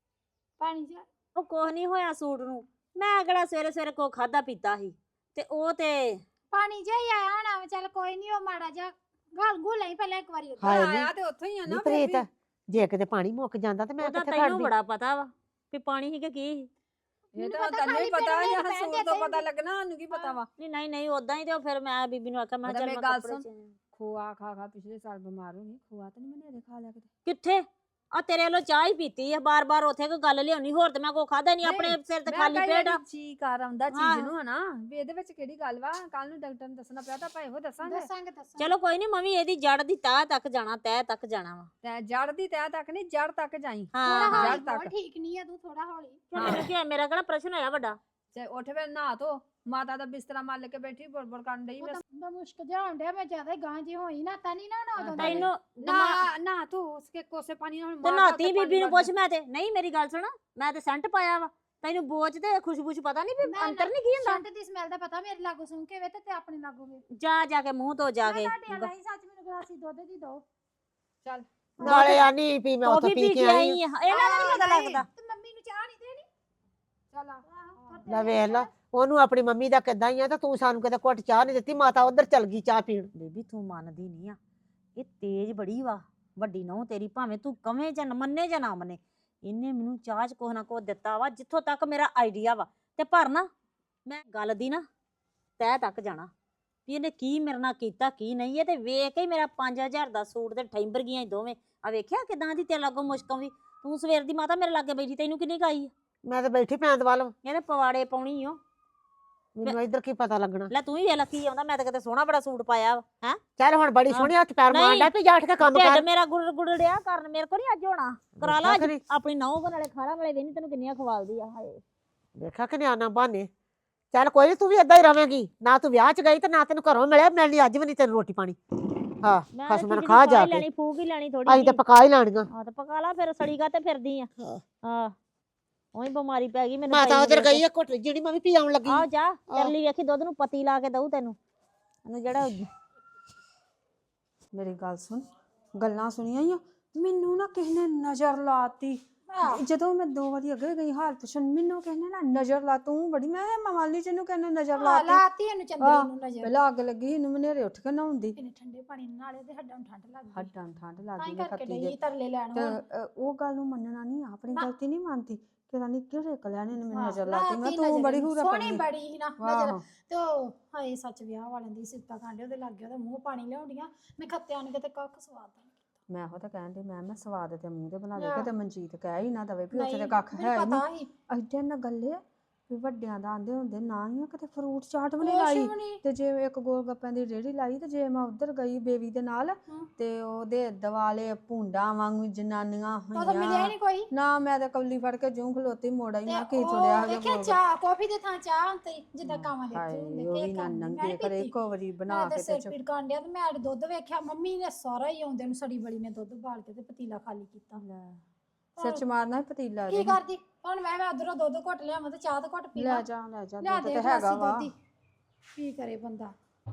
ਪਾਣੀ ਜਿਹਾ
ਉਹ ਕੋਹ ਨਹੀਂ ਹੋਇਆ ਸੂਟ ਨੂੰ ਮੈਂ ਕਿਹੜਾ ਸਵੇਰੇ ਸਵੇਰੇ ਕੋ ਖਾਦਾ ਪੀਤਾ ਸੀ ਤੇ ਉਹ ਤੇ
ਪਾਣੀ ਜਿਹਾ ਹੀ ਆਇਆ ਹੋਣਾ ਵਾ, ਚੱਲ ਕੋਈ ਨਹੀਂ ਉਹ ਮਾੜਾ ਜਿਹਾ ਗਲ ਗੁਲ ਹੀ ਪਹਿਲਾਂ ਇੱਕ ਵਾਰੀ ਉੱਧਰ।
ਹਾਏ ਨੀ।
ਆਇਆ ਤੇ ਉੱਥੋਂ ਹੀ ਆ ਨਾ
ਨੀ
ਫਿਰ
ਪ੍ਰੀਤ
ਵੀ।
ਜੇ ਕਿਤੇ ਪਾਣੀ ਮੁੱਕ ਜਾਂਦਾ ਤੇ ਮੈਂ
ਉਹਦਾ
ਕਿੱਥੇ
ਤੈਨੂੰ
ਖੜਦੀ
ਬੜਾ ਪਤਾ ਵਾ ਵੀ ਪਾਣੀ ਸੀ ਕਿ ਕੀ ਸੀ।
ਇਹ
ਮੈਨੂੰ
ਤਾਂ
ਪਤਾ
ਤੈਨੂੰ ਹੀ
ਖਾਲੀ
ਪਤਾ
ਪੇਟ
ਜਾਂ
ਵਿੱਚ
ਸੂਟ
ਬਹਿ
ਤੋਂ
ਕੇ
ਪਤਾ ਲੱਗਣਾ ਸਾਨੂੰ ਕੀ ਪਤਾ ਵਾ
ਨਹੀਂ ਨਹੀਂ ਨਹੀਂ ਉਦਾਂ ਹੀ ਤੇ ਉਹ ਫਿਰ ਮੈਂ ਬੀਬੀ ਨੂੰ ਆਖਿਆ ਮੈਂ
ਉਹਦਾ
ਕਿਹਾ ਚੱਲ
ਮੇਰੀ
ਮੈਂ
ਗੱਲ
ਕੱਪੜੇ
ਸੁਣ।
ਚ
ਖੋਆ ਖਾ ਖਾ ਪਿਛਲੇ ਸਾਲ ਬਿਮਾਰ ਹੋ ਗਈ ਖੋਆ ਤਾਂ ਨਹੀਂ ਮੈਨੇ ਇਹਦੇ ਖਾ ਲਿਆ ਕਿਤੇ
ਕਿੱਥੇ ਆ ਤੇਰੇ ਵੱਲੋਂ ਚਾਹ ਹੀ ਪੀਤੀ ਆ ਬਾਰ ਬਾਰ ਉੱਥੇ ਕੋਈ ਗੱਲ ਲਿਆਉਣੀ ਹੋਰ ਤੇ ਮੈਂ ਕੋ ਖਾਦਾ ਨਹੀਂ ਆਪਣੇ
ਨਹੀਂ,
ਸਿਰ ਤੇ
ਮੈਂ
ਖਾਲੀ
ਕਿਹਾ
ਪੇਟ ਆ
ਜਿਹੜੀ ਜੀ ਕਰ ਆਉਂਦਾ
ਹਾਂ।
ਚੀਜ਼ ਨੂੰ ਹਨਾ ਵੀ ਇਹਦੇ ਵਿੱਚ ਕਿਹੜੀ ਗੱਲ ਵਾ ਕੱਲ ਨੂੰ ਡਾਕਟਰ ਨੂੰ ਦੱਸਣਾ ਪਿਆ ਤਾਂ ਆਪਾਂ ਇਹੋ ਦੱਸਾਂਗੇ
ਦੱਸਾਂਗੇ ਦੱਸਾਂਗੇ
ਚਲੋ ਕੋਈ ਨਹੀਂ ਮੰਮੀ ਇਹਦੀ ਜੜ ਦੀ ਤਾਹ ਤੱਕ ਜਾਣਾ ਤਹਿ ਤੱਕ ਜਾਣਾ ਵਾ
ਤੇ ਜੜ ਦੀ ਤਹਿ ਤੱਕ ਨਹੀਂ ਜੜ ਤੱਕ ਜਾਈ
ਥੋੜਾ
ਹਾਂ
ਜੜ
ਹੌਲੀ
ਤੱਕ।
ਬੋਲ, ਠੀਕ ਨਹੀਂ ਆ ਤੂੰ ਥੋੜਾ ਹੌਲੀ
ਕਿਉਂ ਮੈਨੂੰ ਕੀ ਹੋਇਆ? ਮੇਰਾ ਕਿਹੜਾ ਪ੍ਰਸ਼ਨ ਹੋਇਆ ਵੱਡਾ
ਤੇ ਉੱਠ ਫਿਰ ਨਹਾ ਧੋ ਮਾਤਾ ਦਾ ਬਿਸਤਰਾ ਮੱਲ ਕੇ ਬੈਠੀ ਬੜਬੜ ਕਰਨ ਡਈ
ਉਹ
ਮੈਂ
ਤਾਂ ਮੈਂ ਮੁਸ਼ਕ ਜਿਹਾ ਹੋਣ ਡਿਆ ਮੈਂ ਜ਼ਿਆਦਾ ਹੀ ਗਾਂ ਜੀ ਹੋਈ ਨਾ ਤਾਂ ਨਹੀਂ ਨਾ ਹੋਣਾ ਉਦੋਂ ਦਾ ਵੀ।
ਤੈਨੂੰ ਦਿਮਾਗ-
ਨਾ ਨਾ ਤੂੰ ਉਸਕੇ ਕੋਸੇ ਪਾਣੀ ਨਾਲ
ਤੇ ਨਾਤੀ ਬੀਬੀ ਨੂੰ ਪੁੱਛ ਮੈਂ ਤੇ ਨਹੀਂ ਮੇਰੀ ਗੱਲ ਸੁਣ ਮੈਂ ਤੇ ਸੈਂਟ ਪਾਇਆ ਵਾ ਤੈਨੂੰ ਬੋਝ ਤੇ ਖੁਸ਼ਬੂ ਚ ਪਤਾ ਨਹੀਂ ਵੀ
ਨਾ,
ਅੰਤਰ
ਨਾ,
ਨਹੀਂ ਕੀ ਹੁੰਦਾ
ਸੰਟ ਦੀ ਸਮੈਲ ਦਾ ਪਤਾ ਮੇਰੇ ਲਾਗੋਂ ਸੁਣ ਕੇ ਵੇ ਤੇ ਤੇ ਆਪਣੇ ਲਾਗੋਂ ਵੇ
ਜਾ ਜਾ ਕੇ ਮੂੰਹ ਧੋ ਜਾ
ਮੈਂ
ਕੇ
ਤੁਹਾਡੇ ਵਾਲਾ ਹੀ ਸੱਚ ਮੈਨੂੰ ਗਲਾਸੀ ਦੁੱਧ ਦੀ ਦੋ
ਚੱਲ
ਨਾਲੇ ਆਨੀ ਵੀ ਮੈਂ ਉੱਥੋਂ
ਟੋਫੀ
ਪੀ ਕੇ ਆਈ
ਆ ਇਹਨਾਂ ਦਾ ਨਹੀਂ ਪਤਾ ਲੱਗਦਾ
ਤੇ ਮੰਮੀ ਨੂੰ ਚਾਹ ਨਹੀਂ ਦੇਣੀ
ਚੱਲ ਆ।
ਲੈ ਵੇਖ ਲਾ ਉਹਨੂੰ ਆਪਣੀ ਮੰਮੀ ਦਾ ਕਿੱਦਾਂ ਹੀ ਆ ਤੇ ਤੂੰ ਸਾਨੂੰ ਕਿਤੇ ਘੁੱਟ ਚਾਹ ਨਹੀਂ ਦਿੱਤੀ ਮਾਤਾ ਉਧਰ ਚਲ ਗਈ ਚਾਹ ਪੀਣ
ਬੇਬੀ ਤੂੰ ਮੰਨਦੀ ਨਹੀਂ ਆ ਇਹ ਤੇਜ਼ ਬੜੀ ਵਾ ਵੱਡੀ ਨਹੁੰ ਤੇਰੀ ਭਾਵੇਂ ਤੂੰ ਕਵੇਂ ਜਾਂ ਨਾ ਮੰਨੇ ਜਾਂ ਨਾ ਮੰਨੇ ਇਹਨੇ ਮੈਨੂੰ ਚਾਹ ਚ ਕੁਛ ਨਾ ਕੁਛ ਦਿੱਤਾ ਵਾ ਜਿੱਥੋਂ ਤੱਕ ਮੇਰਾ ਆਈਡੀਆ ਵਾ ਤੇ ਪਰ ਨਾ ਮੈਂ ਗੱਲ ਦੀ ਨਾ ਤਹਿ ਤੱਕ ਜਾਣਾ ਵੀ ਇਹਨੇ ਕੀ ਮੇਰੇ ਨਾਲ ਕੀਤਾ ਕੀ ਨਹੀਂ ਇਹ ਤੇ ਵੇਖ ਕੇ ਹੀ ਮੇਰਾ ਪੰਜ ਹਜ਼ਾਰ ਦਾ ਸੂਟ ਤੇ ਠੈਂਬਰ ਗਈਆਂ ਦੋਵੇਂ ਆ ਵੇਖਿਆ ਕਿਦਾਂ ਦੀ ਤੇਰੇ ਲਾਗੋਂ ਮੁਸ਼ਕ ਆਉਂਦੀ ਤੂੰ ਸਵੇਰ ਦੀ ਮਾਤਾ ਮੇਰੇ ਲਾਗੇ ਬੈਠੀ ਤੈਨੂੰ ਕਿੰਨੀ ਕਾਈ
ਮੈਂ ਤਾਂ ਬੈਠੀ ਪੈਂਦ ਵੱਲ
ਇਹਦੇ ਪਵਾੜੇ ਪਾਉਣੀ ਓ
ਮੈਨੂੰ ਇੱਧਰ ਕੀ ਪਤਾ ਲੱਗਣਾ।
ਲੈ ਤੂੰ ਹੀ ਵੇਖ ਲੈ ਕੀ ਆਉਂਦਾ, ਮੈਂ ਤਾਂ ਕਿਤੇ ਸੋਹਣਾ ਬੜਾ ਸੂਟ ਪਾਇਆ ਵਾ ਹੈ।
ਚੱਲ ਹੁਣ ਬੜੀ
ਹਾਂ।
ਸੋਹਣੀ ਹੱਥ ਪੈਰ
ਨਹੀਂ।
ਮਾਰਦਾ ਵੀ ਜਾ ਉੱਠ ਕੇ ਕੰਮ
ਢਿੱਡ
ਕਰ।
ਮੇਰਾ ਗੁੜ ਗੁੜ ਡਿਆ ਕਰਨ, ਮੇਰੇ ਕੋਲ ਨਹੀਂ ਅੱਜ ਹੋਣਾ। ਕਰਾ ਲਾ
ਦੇਖਿਆ
ਅੱਜ
ਕਰੀ।
ਆਪਣੀ ਨਹੁੰ ਨਾਲੇ ਖਾਣਾ ਨਾਲੇ ਵੇਹਨੀ ਤੈਨੂੰ ਕਿੰਨੀਆਂ ਖਵਾਲਦੀ ਆ। ਹਾਏ
ਦੇਖਾ ਕਿ ਨਿਆਣਾ ਬਹਾਨੇ। ਚੱਲ ਕੋਈ ਨੀ, ਤੂੰ ਵੀ ਏਦਾਂ ਹੀ ਰਵੇਂਗੀ, ਨਾ ਤੂੰ ਵਿਆਹ ਚ ਗਈ ਤੇ ਨਾ ਤੈਨੂੰ ਘਰੋਂ ਮਿਲਿਆ, ਮਿਲਣੀ ਅੱਜ ਵੀ ਨਹੀਂ ਤੈਨੂੰ ਰੋਟੀ ਪਾਣੀ। ਹਾਂ
ਮੈਂ
ਖਸਮ ਨਾਲ
ਖਿਚੜੀ
ਖਾ
ਪਕਾ
ਜਾ
ਹੀ
ਕੇ।
ਲੈਣੀ, ਫੂਕ ਹੀ ਲੈਣੀ ਥੋੜੀ
ਅਸੀਂ ਤਾਂ ਪਕਾ ਹੀ ਲੈਣੀਆਂ।
ਹਾਂ ਤੇ ਪਕਾ ਲਾ ਫਿਰ, ਸੜੀ ਗਾ ਤੇ ਫਿਰਦੀ ਆ।
ਹਾਂ।
ਹਾਂ ਉਹੀ ਬਿਮਾਰੀ ਪੈ ਗਈ ਮੈਨੂੰ।
ਮਾਤਾ ਉਧਰ ਗਈ ਆ ਘੁੱਟ ਜਿਹੜੀ ਮੈਂ ਵੀ ਪੀ ਆਉਣ ਲੱਗੀ।
ਆਹ ਜਾ
ਆਹ।
ਤੇਰੇ ਲਈ ਵੇਖੀ ਦੁੱਧ ਨੂੰ ਪਤੀ ਲਾ ਕੇ ਦਊ ਤੈਨੂੰ, ਇਹਨੂੰ ਜਿਹੜਾ
ਮੇਰੀ ਗੱਲ ਸੁਣ, ਗੱਲਾਂ ਸੁਣੀਆਂ ਹੀ ਆ, ਮੈਨੂੰ ਨਾ ਕਿਸੇ ਨੇ ਨਜ਼ਰ ਲਾਤੀ। ਜਦੋਂ ਮੈਂ ਦੋ ਵਾਰੀ ਅੱਗੇ ਗਈ ਹਾਲ ਪੁੱਛਣ, ਮੈਨੂੰ ਕਿਸੇ ਨੇ ਨਾ ਨਜ਼ਰ ਲਾ, ਤੂੰ ਬੜੀ, ਮੈਂ ਮਾਮਾਲੀ ਜੀ ਨੂੰ ਕਹਿੰਨੇ ਨਜ਼ਰ
ਹਾਂ,
ਲਾਤੀ।
ਲਾਤੀ ਇਹਨੂੰ ਚੰਦਰੀ ਨੂੰ ਨਜ਼ਰ।
ਪਹਿਲਾਂ ਅੱਗ ਲੱਗੀ ਇਹਨੂੰ, ਮਨੇਰੇ ਉੱਠ ਕੇ ਨਹਾਉਂਦੀ।
ਇਹਨੇ ਠੰਡੇ ਪਾਣੀ ਨਾਲੇ ਤੇ ਹੱਡਾਂ ਨੂੰ ਠੰਡ ਲੱਗਦੀ।
ਹੱਡਾਂ ਨੂੰ ਠੰਡ
ਤਾਂ
ਲੱਗਦੀ
ਹੀ
ਨੇ
ਕਰਕੇ
ਖੱਤੀ
ਡਈ
ਦੇ।
ਤਰਲੇ ਲੈਣ
ਤੇ
ਹੁਣ।
ਅ, ਉਹ ਗੱਲ ਨੂੰ ਮੰਨਣਾ ਨਹੀਂ, ਆਪਣੀ
ਨਾ।
ਗਲਤੀ ਨਹੀਂ ਮੰਨਦੀ। ਕਿਹਦਾ ਨਹੀਂ ਕਿਹੜੇ ਕਲਿਆ ਨੇ ਮੈਨੂੰ
ਹਾਂ,
ਨਜ਼ਰ ਲਾਤੀ। ਮੈਂ
ਲਾਤੀ
ਤੂੰ
ਨਜ਼ਰ
ਬੜੀ
ਇਹਨੂੰ।
ਹੂਰਾ
ਸੋਹਣੀ
ਪਈ।
ਬੜੀ ਸੀ ਨਾ ਨਜ਼ਰ।
ਆਹੋ।
ਤੇ ਉਹ ਹਾਏ ਸੱਚ ਵਿਆਹ ਵਾਲਿਆਂ ਦੀ ਸਿਫਤਾਂ ਕਾਂਡੇ ਉਹਦੇ ਲੱਗ ਗਿਆ, ਉਹਦਾ ਮੂੰਹ ਪਾਣੀ ਲਿਆਉਂਦੀਆਂ। ਮੈਂ ਖੱਤਿਆਂ ਨੂੰ ਕਿਤੇ ਕੱਖ ਸਵਾਦ ਨਹੀਂ।
ਮੈਂ ਉਹ ਤਾਂ ਕਹਿਣ ਡਈ, ਮੈਂ ਮੈਂ ਸਵਾਦ ਤੇ ਮੂੰਹ ਤੇ ਬਣਾ ਦੇ,
ਆਹ।
ਕਿਤੇ ਮਨਜੀਤ ਕਹਿ ਹੀ ਨਾ ਦਵੇ ਵੀ ਉੱਥੇ ਤੇ
ਨਹੀਂ,
ਕੱਖ ਹੈ
ਮੈਨੂੰ
ਹੀ ਨਹੀਂ।
ਪਤਾ ਸੀ।
ਐਡੇ ਨਾ ਗੱਲੇ ਵੀ ਵੱਡਿਆਂ ਦਾ ਆਂਦੇ ਹੁੰਦੇ ਨਾ ਹੀ ਆ, ਕਿਤੇ ਫਰੂਟ ਚਾਟ ਵੀ ਨਹੀਂ
ਕੁਛ
ਲਾਈ।
ਵੀ ਨਹੀਂ।
ਤੇ ਜੇ ਇੱਕ ਗੋਲ ਗੱਪਿਆਂ ਦੀ ਰੇਹੜੀ ਲਾਈ, ਤੇ ਜੇ ਮੈਂ ਉੱਧਰ ਗਈ ਬੇਬੀ ਦੇ ਨਾਲ,
ਹਮ।
ਤੇ ਉਹਦੇ ਦਿਵਾਲੇ ਭੁੰਡਾਂ ਵਾਂਗੂ ਜਨਾਨੀਆਂ
ਉਹ ਤਾਂ ਮਿਲਿਆ ਹੀ
ਹੋਈਆਂ।
ਨਹੀਂ ਕੋਈ।
ਨਾ ਮੈਂ ਤਾਂ ਕੌਲੀ ਫੜ ਕੇ ਜੂੰ ਖਲੋਤੀ ਮੋੜਾ ਹੀ,
ਤੇ
ਮੈਂ ਕੀ
ਉਹ
ਤੁੜਿਆ
ਵੇਖਿਆ ਚਾਹ ਕਾਫੀ ਦੇ ਥਾਂ ਚਾਹ ਹੁੰਦੀ ਜਿੱਦਾਂ ਕਾਵਾਂ ਦੇ
ਹਾਏ
ਹੁੰਦੇ
ਉਹ ਵੀ
ਕੇਕ
ਨਾ
ਖਾਂਦੀ, ਮੈਂ
ਨੰਗੇ
ਨੀ
ਕਰੇ
ਪੀਤੀ।
ਇੱਕੋ ਵਾਰੀ ਬਣਾ
ਮੈਂ ਤੇ
ਕੇ ਤੇ
ਸਿਰ
ਚ-
ਪੀੜ ਕਾਂਡਿਆ ਤੇ ਮੈਂ ਅੱਜ ਦੁੱਧ ਵੇਖਿਆ, ਮੰਮੀ ਨੇ ਸਾਰਾ ਹੀ ਆਉਂਦੇ ਨੂੰ ਸੜੀ ਬੜੀ ਨੇ ਦੁੱਧ ਬਾਲ ਕੇ ਤੇ ਪਤੀਲਾ ਖਾਲੀ ਕੀਤਾ।
ਸਿਰ ਚ ਮਾਰਨਾ ਸੀ ਪਤੀਲਾ
ਕੀ
ਦੇ।
ਕਰਦੀ ਹੁਣ? ਮੈਂ ਮੈਂ ਉਧਰੋਂ ਦੁੱਧ ਘੁੱਟ ਲਿਆਵਾਂ ਤੇ ਚਾਹ ਤਾਂ ਘੁੱਟ ਪੀ
ਲੈ
ਲਾਂ।
ਜਾ ਲੈ ਜਾ,
ਲਿਆ
ਦੁੱਧ
ਦੇ
ਤੇ
ਗਲਾਸੀ
ਹੈਗਾ ਵਾ।
ਦੁੱਧ ਹੀ। ਕੀ ਕਰੇ ਬੰਦਾ।